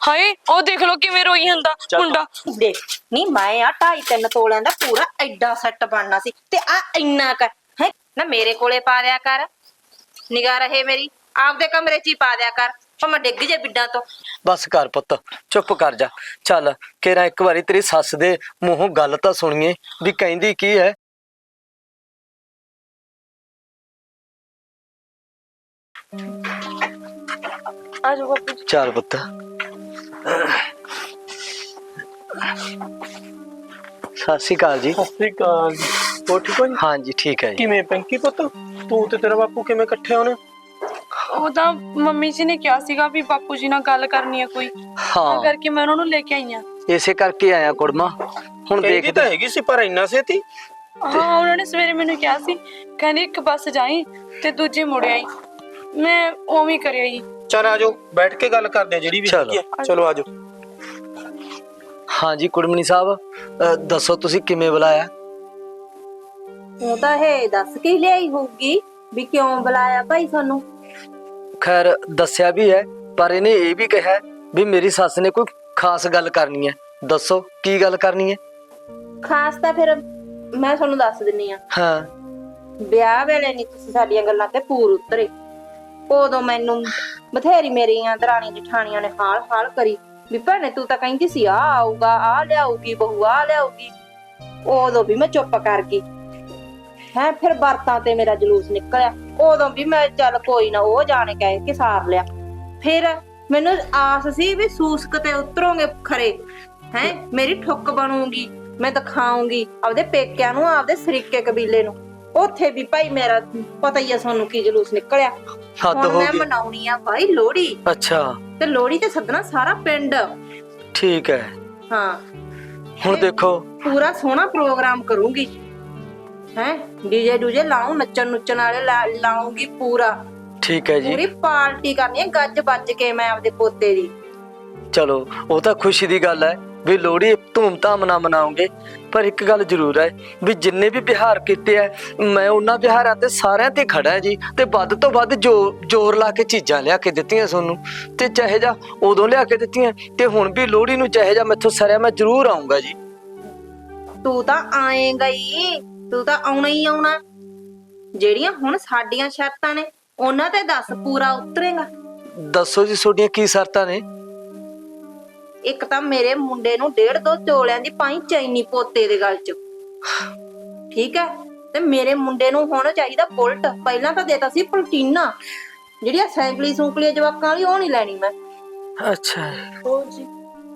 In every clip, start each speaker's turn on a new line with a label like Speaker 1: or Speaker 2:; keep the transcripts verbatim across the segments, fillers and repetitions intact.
Speaker 1: ਹਾਏ ਉਹ ਦੇਖ ਲੋ ਕਿਵੇਂ ਰੋਈ ਜਾਂਦਾ ਮੁੰਡਾ।
Speaker 2: ਦੇਖ ਨੀ ਮੈਂ ਆ ਢਾਈ ਤਿੰਨ ਤੋਲਿਆਂ ਦਾ ਪੂਰਾ ਐਡਾ ਸੈੱਟ ਬਣਨਾ ਸੀ ਤੇ ਆ ਇੰਨਾ ਕਰ ਹੈ ਨਾ ਮੇਰੇ ਕੋਲੇ ਪਾ ਦਿਆ ਕਰ। ਨਿਗਾਹ ਰਹੇ ਮੇਰੀ ਆਪਦੇ ਕਮਰੇ 'ਚ ਹੀ ਪਾ ਦਿਆ ਕਰ ਭਾਵੇਂ ਡਿੱਗ ਜੇ ਬਿੱਡਾਂ ਤੋਂ।
Speaker 3: ਬਸ ਕਰ ਪੁੱਤ ਚੁੱਪ ਕਰ ਜਾ। ਚੱਲ ਕੇਰਾ ਇੱਕ ਵਾਰੀ ਤੇਰੀ ਸੱਸ ਦੇ ਮੂੰਹੋਂ ਗੱਲ ਤਾਂ ਸੁਣੀਏ ਵੀ ਕਹਿੰਦੀ ਕੀ ਹੈ।
Speaker 1: ਆ ਜਾਓ ਬਾਪੂ ਜੀ।
Speaker 3: ਚੱਲ ਪੁੱਤ ਸਤਿ ਸ਼੍ਰੀ ਅਕਾਲ ਜੀ।
Speaker 4: ਸਤਿ ਸ਼੍ਰੀ ਅਕਾਲ ਜੀ। ਹੋਰ ਠੀਕ ਹੋ ਜੀ?
Speaker 3: ਹਾਂਜੀ ਠੀਕ ਹੈ ਜੀ।
Speaker 4: ਕਿਵੇਂ ਪਿੰਕੀ ਪੁੱਤ ਤੂੰ ਤੇ ਤੇਰਾ ਬਾਪੂ ਕਿਵੇਂ ਇਕੱਠੇ ਹੋਣੇ?
Speaker 1: ਉਹ ਤਾਂ ਮੰਮੀ ਜੀ ਨੇ ਕਿਹਾ ਸੀਗਾ ਵੀ ਬਾਪੂ ਜੀ ਨਾਲ ਗੱਲ ਕਰਨੀ ਆ ਕੋਈ, ਤਾਂ ਕਰਕੇ ਮੈਂ ਉਹਨਾਂ ਨੂੰ ਲੈ ਕੇ ਆਈ ਆ।
Speaker 3: ਇਸੇ ਕਰਕੇ ਆਇਆ ਕੁੜਮਾ। ਹੁਣ
Speaker 4: ਦੇਖਦੀ ਤਾਂ ਹੈਗੀ ਸੀ ਪਰ ਇੰਨਾ ਛੇਤੀ?
Speaker 1: ਹਾਂ ਉਹਨਾਂ ਨੇ ਸਵੇਰੇ ਮੈਨੂੰ ਕਿਹਾ ਸੀ, ਕਹਿੰਦੇ ਇੱਕ ਬੱਸ ਜਾਈ ਤੇ ਦੂਜੀ ਮੁੜ ਆਈ। ਮੈਂ ਉਵੇਂ ਕਰਿਆ ਜੀ।
Speaker 4: ਚਲ ਆਜੋ ਬੈਠ ਕੇ ਗੱਲ ਕਰਦੇ ਆ ਜਿਹੜੀ ਵੀ ਹੈਗੀ ਆ। ਚਲੋ ਆਜੋ।
Speaker 3: ਹਾਂਜੀ ਕੁੜਮਣੀ ਸਾਹਿਬ ਅਹ ਦੱਸੋ ਤੁਸੀਂ ਕਿਵੇਂ ਬੁਲਾਇਆ?
Speaker 2: ਉਹ ਤਾਂ ਇਹ ਦੱਸ ਕੇ ਲਿਆਈ ਹੋਊਗੀ ਵੀ ਕਿਉਂ ਬੁਲਾਇਆ ਭਾਈ ਸਾਨੂੰ।
Speaker 3: ਖੈਰ ਦੱਸਿਆ ਵੀ ਹੈ ਪਰ ਇਹਨੇ ਇਹ ਵੀ ਕਿਹਾ ਵੀ ਮੇਰੀ ਸੱਸ ਨੇ ਕੋਈ ਖਾਸ ਗੱਲ ਕਰਨੀ ਹੈ। ਦੱਸੋ ਕੀ ਗੱਲ ਕਰਨੀ ਹੈ?
Speaker 2: ਖਾਸ ਤਾਂ ਫਿਰ ਮੈਂ ਤੁਹਾਨੂੰ ਦੱਸ ਦਿੰਨੀ ਆ।
Speaker 3: ਹਾਂ
Speaker 2: ਵਿਆਹ ਵੇਲੇ ਨਹੀਂ ਤੁਸੀਂ ਸਾਡੀਆਂ ਗੱਲਾਂ ਤੇ ਪੂਰ ਉਤਰੇ। ਉਦੋਂ ਮੈਨੂੰ ਬਥੇਰੀ ਮੇਰੀਆਂ ਦਰਾਣੀ ਜਠਾਣੀਆਂ ਨੇ ਹਾਲ ਹਾਲ ਕਰੀ ਵੀ ਭੈਣੇ ਤੂੰ ਤਾਂ ਕਹਿੰਦੀ ਸੀ ਆ ਆਊਗਾ ਆ ਲਿਆਊਗੀ ਬਹੂ ਆ ਲਿਆਊਗੀ। ਉਦੋਂ ਵੀ ਮੈਂ ਚੁੱਪ ਕਰ ਗਈ ਹੈ। ਫਿਰ ਬਰਤਾਂ ਤੇ ਮੇਰਾ ਜਲੂਸ ਨਿਕਲਿਆ। ਉਦੋਂ ਵੀ ਮੈਂ ਚੱਲ ਕੋਈ ਨਾ ਉਹ ਜਾਣੇ ਕਹਿ ਕੇ ਸਾਰ ਲਿਆ। ਫਿਰ ਮੈਨੂੰ ਆਸ ਸੀ ਵੀ ਸੂਸਕ ਤੇ ਉਤਰੋਗੇ ਖਰੇ ਹੈ ਮੇਰੀ ਠੁੱਕ ਬਣੂਗੀ ਮੈਂ ਦਿਖਾਉਂਗੀ ਆਪਦੇ ਪੇਕਿਆਂ ਨੂੰ ਆਪਦੇ ਸਰੀਕੇ ਕਬੀਲੇ ਨੂੰ। ਉੱਥੇ ਵੀ ਭਾਈ ਮੇਰਾ ਪਤਾ ਹੀ ਆ ਤੁਹਾਨੂੰ ਕੀ ਜਲੂਸ ਨਿਕਲਿਆ।
Speaker 3: ਹੱਦ
Speaker 2: ਹੁਣ
Speaker 3: ਹੋ
Speaker 2: ਮੈਂ
Speaker 3: ਗਈ।
Speaker 2: ਮਨਾਉਣੀ ਆ ਭਾਈ ਲੋਹੜੀ
Speaker 3: ਅੱਛਾ
Speaker 2: ਤੇ ਲੋਹੜੀ ਤੇ ਸੱਦਣਾ ਸਾਰਾ ਪਿੰਡ।
Speaker 3: ਠੀਕ ਹੈ।
Speaker 2: ਹਾਂ
Speaker 3: ਹੁਣ ਦੇਖੋ
Speaker 2: ਪੂਰਾ ਸੋਹਣਾ ਪ੍ਰੋਗਰਾਮ ਕਰੂੰਗੀ ਹੈ। ਡੀਜੇ ਡੂਜੇ ਲਾਉਂ ਨੱਚਣ ਨੁੱਚਣ ਵਾਲੇ ਲਾਉਂਗੀ ਪੂਰਾ।
Speaker 3: ਠੀਕ ਹੈ ਜੀ।
Speaker 2: ਪੂਰੀ ਪਾਰਟੀ ਕਰਨੀ ਹੈ ਗੱਜ ਵੱਜ ਕੇ ਮੈਂ ਆਪਦੇ ਪੋਤੇ ਦੀ।
Speaker 3: ਚਲੋ ਉਹ ਤਾਂ ਖੁਸ਼ੀ ਦੀ ਗੱਲ ਹੈ ਵੀ ਲੋਹੜੀ ਧੂਮ-ਧਾਮ ਨਾਲ ਮਨਾਉਂਗੇ ਪਰ ਇੱਕ ਗੱਲ ਜ਼ਰੂਰ ਹੈ ਵੀ ਜਿੰਨੇ ਵੀ ਵਿਹਾਰ ਕੀਤੇ ਆ ਮੈਂ ਉਹਨਾਂ ਵਿਹਾਰਾਂ ਤੇ ਸਾਰਿਆਂ ਤੇ ਖੜਾ ਜੀ ਤੇ ਵੱਧ ਤੋਂ ਵੱਧ ਜੋ ਜ਼ੋਰ ਲਾ ਕੇ ਚੀਜ਼ਾਂ ਲਿਆ ਕੇ ਦਿੱਤੀਆਂ ਤੁਹਾਨੂੰ ਤੇ ਚਾਹੇ ਜਾ ਉਦੋਂ ਲਿਆ ਕੇ ਦਿੱਤੀਆਂ ਤੇ ਹੁਣ ਵੀ ਲੋਹੜੀ ਨੂੰ ਚਾਹੇ ਜਾ ਮੈਥੋਂ ਸਰਿਆ ਮੈਂ ਜ਼ਰੂਰ ਆਉਂਗਾ ਜੀ।
Speaker 2: ਤੂੰ ਤਾਂ ਆਏਗਾ ਹੀ ਤੂੰ ਤਾਂ ਆਉਣਾ ਹੀ ਆਉਣਾ। ਜਿਹੜੀਆਂ ਹੁਣ ਸਾਡੀਆਂ ਸ਼ਰਤਾਂ ਨੇ ਉਹਨਾਂ ਤੇ ਦੱਸ ਪੂਰਾ ਉਤਰੇਗਾ?
Speaker 3: ਦੱਸੋ ਜੀ ਤੁਹਾਡੀਆਂ ਕੀ ਸ਼ਰਤਾਂ ਨੇ?
Speaker 2: ਇੱਕ ਤਾਂ ਮੇਰੇ ਮੁੰਡੇ ਨੂੰ ਡੇਢ ਦੋ ਤੋਲਿਆਂ ਦੀ ਪਾਈ ਚੈਨੀ ਪੋਤੇ ਦੇ ਗਲ 'ਚ ਠੀਕ ਹੈ ਤੇ ਮੇਰੇ ਮੁੰਡੇ ਨੂੰ ਹੁਣ ਚਾਹੀਦਾ ਬੁਲਟ। ਪਹਿਲਾਂ ਤਾਂ ਦੇਤਾ ਸੀ ਪਲਟੀਨਾ ਜਿਹੜੀਆਂ ਸਾਈਕਲੀ ਸੂਕਲੀ ਜਵਾਕਾਂ ਵਾਲੀ ਉਹ ਨਹੀਂ ਲੈਣੀ ਮੈਂ।
Speaker 3: ਅੱਛਾ
Speaker 2: ਹੋਰ ਜੀ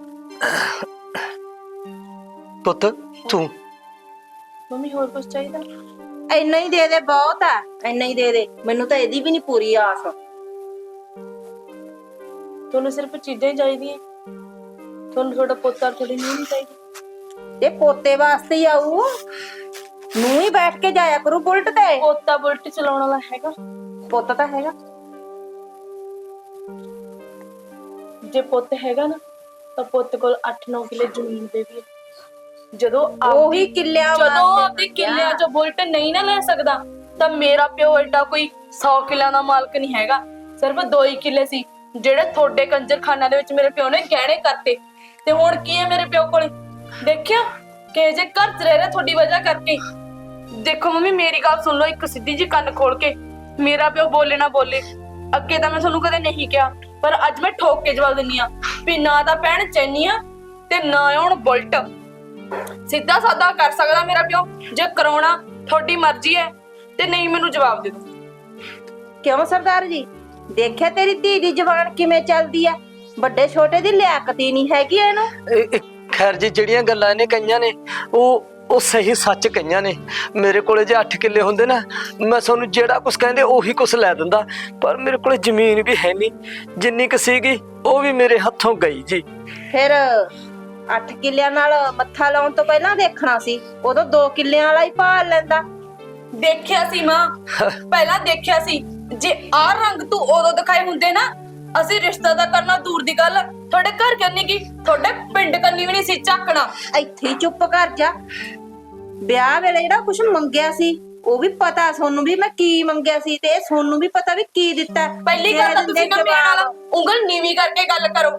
Speaker 3: ਪੁੱਤ ਤੂੰ
Speaker 1: ਮੰਮੀ ਹੋਰ ਕੁਝ ਚਾਹੀਦਾ?
Speaker 2: ਇੰਨਾ ਹੀ ਦੇ ਦੇ ਬਹੁਤ ਆ ਇੰਨਾ ਹੀ ਦੇ ਦੇ ਮੈਨੂੰ ਤਾਂ ਇਹਦੀ ਵੀ ਨਹੀਂ ਪੂਰੀ ਆਸ।
Speaker 1: ਤੁਹਾਨੂੰ ਸਿਰਫ ਚੀਜ਼ਾਂ ਹੀ ਚਾਹੀਦੀਆਂ? ਤੁਹਾਨੂੰ ਤੁਹਾਡਾ ਪੋਤਾ ਥੋੜੀ ਨਹੀਂ ਚਾਹੀਦੀ?
Speaker 2: ਇਹ ਪੋਤੇ ਵਾਸਤੇ ਹੀ ਆਊ ਨੂੰ ਹੀ ਬੈਠ ਕੇ ਜਾਇਆ ਕਰੂ ਬੁਲਟ ਤੇ।
Speaker 1: ਪੋਤਾ ਬੁਲਟ ਚਲਾਉਣ ਵਾਲਾ ਹੈਗਾ?
Speaker 2: ਪੁੱਤ ਤਾਂ ਹੈਗਾ।
Speaker 1: ਜੇ ਪੁੱਤ ਹੈਗਾ ਨਾ ਤਾਂ ਪੁੱਤ ਕੋਲ ਅੱਠ ਨੌ ਕਿੱਲੇ ਜ਼ਮੀਨ ਦੇ ਵੀ ਹੈ। ਜਦੋਂ
Speaker 2: ਉਹੀ ਕਿੱਲਿਆਂ
Speaker 1: ਜਦੋਂ ਆਪਦੇ ਕਿੱਲਿਆਂ ਚੋਂ ਬੁਲਟ ਨਹੀਂ ਨਾ ਲੈ ਸਕਦਾ ਤਾਂ ਮੇਰਾ ਪਿਓ ਐਡਾ ਕੋਈ ਸੌ ਕਿੱਲਿਆਂ ਦਾ ਮਾਲਕ ਨਹੀਂ ਹੈਗਾ। ਸਿਰਫ ਦੋ ਹੀ ਕਿੱਲੇ ਸੀ ਜਿਹੜੇ ਤੁਹਾਡੇ ਕੰਜਰਖਾਨਾ ਦੇ ਵਿੱਚ ਮੇਰੇ ਪਿਓ ਨੇ ਗਹਿਣੇ ਕਰਤੇ। ਤੇ ਹੁਣ ਕੀ ਹੈ ਮੇਰੇ ਪਿਓ ਕੋਲੇ? ਦੇਖਿਆ ਕਿ ਜੇ ਘਰ ਚ ਰਹਿ ਰਿਹਾ ਤੁਹਾਡੀ ਵਜ੍ਹਾ ਕਰਕੇ। ਦੇਖੋ ਮੰਮੀ ਮੇਰੀ ਗੱਲ ਸੁਣ ਲਓ ਇੱਕ ਸਿੱਧੀ ਜੀ ਕੰਨ ਖੋਲ ਕੇ। ਮੇਰਾ ਪਿਓ ਬੋਲੇ ਨਾ ਬੋਲੇ ਅੱਗੇ ਤਾਂ ਮੈਂ ਤੁਹਾਨੂੰ ਕਦੇ ਨਹੀਂ ਕਿਹਾ ਪਰ ਅੱਜ ਮੈਂ ਠੋਕ ਕੇ ਜਵਾਬ ਦਿੰਨੀ ਆ ਵੀ ਨਾ ਤਾਂ ਭੈਣ ਚੈਨੀ ਆ ਤੇ ਨਾ ਹੁਣ ਬੁਲਟ। ਸਿੱਧਾ ਸਾਦਾ ਕਰ ਸਕਦਾ ਮੇਰਾ ਪਿਓ। ਜੇ ਕਰਾਉਣਾ ਤੁਹਾਡੀ ਮਰਜ਼ੀ ਹੈ ਤੇ ਨਹੀਂ ਮੈਨੂੰ ਜਵਾਬ ਦੇ ਦਿਓ।
Speaker 2: ਕਿਉਂ ਸਰਦਾਰ ਜੀ ਦੇਖਿਆ ਤੇਰੀ ਧੀ ਦੀ ਜ਼ਬਾਨ ਕਿਵੇਂ ਚੱਲਦੀ ਆ? ਵੱਡੇ ਛੋਟੇ ਦੀ ਲਿਆਕਤ ਹੀ ਨਹੀਂ ਹੈਗੀ ਇਹਨੂੰ।
Speaker 3: ਖੈਰ ਜੀ ਜਿਹੜੀਆਂ ਗੱਲਾਂ ਇਹਨੇ ਕਹੀਆਂ ਨੇ ਉਹ ਉਹ ਸਹੀ ਸੱਚ ਕਹੀਆਂ ਨੇ। ਮੇਰੇ ਕੋਲੇ ਜੇ ਅੱਠ ਕਿੱਲੇ ਹੁੰਦੇ ਨਾ ਮੈਂ ਤੁਹਾਨੂੰ ਜਿਹੜਾ ਕੁਛ ਕਹਿੰਦੇ ਉਹੀ ਕੁਛ ਲੈ ਦਿੰਦਾ ਪਰ ਮੇਰੇ ਕੋਲੇ ਜ਼ਮੀਨ ਵੀ ਹੈ ਨਹੀਂ। ਜਿੰਨੀ ਕੁ ਸੀਗੀ ਉਹ ਵੀ ਮੇਰੇ ਹੱਥੋਂ ਗਈ ਜੀ।
Speaker 2: ਫਿਰ ਅੱਠ ਕਿੱਲਿਆਂ ਨਾਲ ਮੱਥਾ ਲਾਉਣ ਤੋਂ ਪਹਿਲਾਂ ਦੇਖਣਾ ਸੀ ਉਦੋਂ ਦੋ ਕਿੱਲਿਆਂ ਵਾਲਾ ਹੀ ਭਾਲ ਲੈਂਦਾ।
Speaker 1: ਦੇਖਿਆ ਸੀ ਮਾਂ ਪਹਿਲਾਂ ਦੇਖਿਆ ਸੀ। ਜੇ ਆਹ ਰੰਗ ਤੂੰ ਉਦੋਂ ਦਿਖਾਏ ਹੁੰਦੇ ਨਾ ਅਸੀਂ ਰਿਸ਼ਤਾ ਦਾ ਕਰਨਾ ਦੂਰ ਦੀ ਗੱਲ ਤੁਹਾਡੇ ਘਰ ਕਰਨੀ ਕੀ ਤੁਹਾਡੇ ਪਿੰਡ ਕਰਨੀ ਵੀ ਨਹੀਂ ਸੀ ਝਾਕਣਾ।
Speaker 2: ਇੱਥੇ ਹੀ ਚੁੱਪ ਕਰ ਜਾ। ਵਿਆਹ ਵੇਲੇ ਜਿਹੜਾ ਕੁਝ ਮੰਗਿਆ ਸੀ ਉਹ ਵੀ ਪਤਾ ਸੋਨੂੰ ਵੀ ਮੈਂ ਕੀ ਮੰਗਿਆ ਸੀ ਤੇ ਸੋਨੂੰ ਵੀ ਪਤਾ ਵੀ ਕੀ ਦਿੱਤਾ।
Speaker 1: ਪਹਿਲੀ ਗੱਲ ਤਾਂ ਤੁਸੀਂ ਨਾ ਮੇਰੇ ਨਾਲ ਉਂਗਲ ਨੀਵੀਂ ਕਰਕੇ ਗੱਲ ਕਰੋ।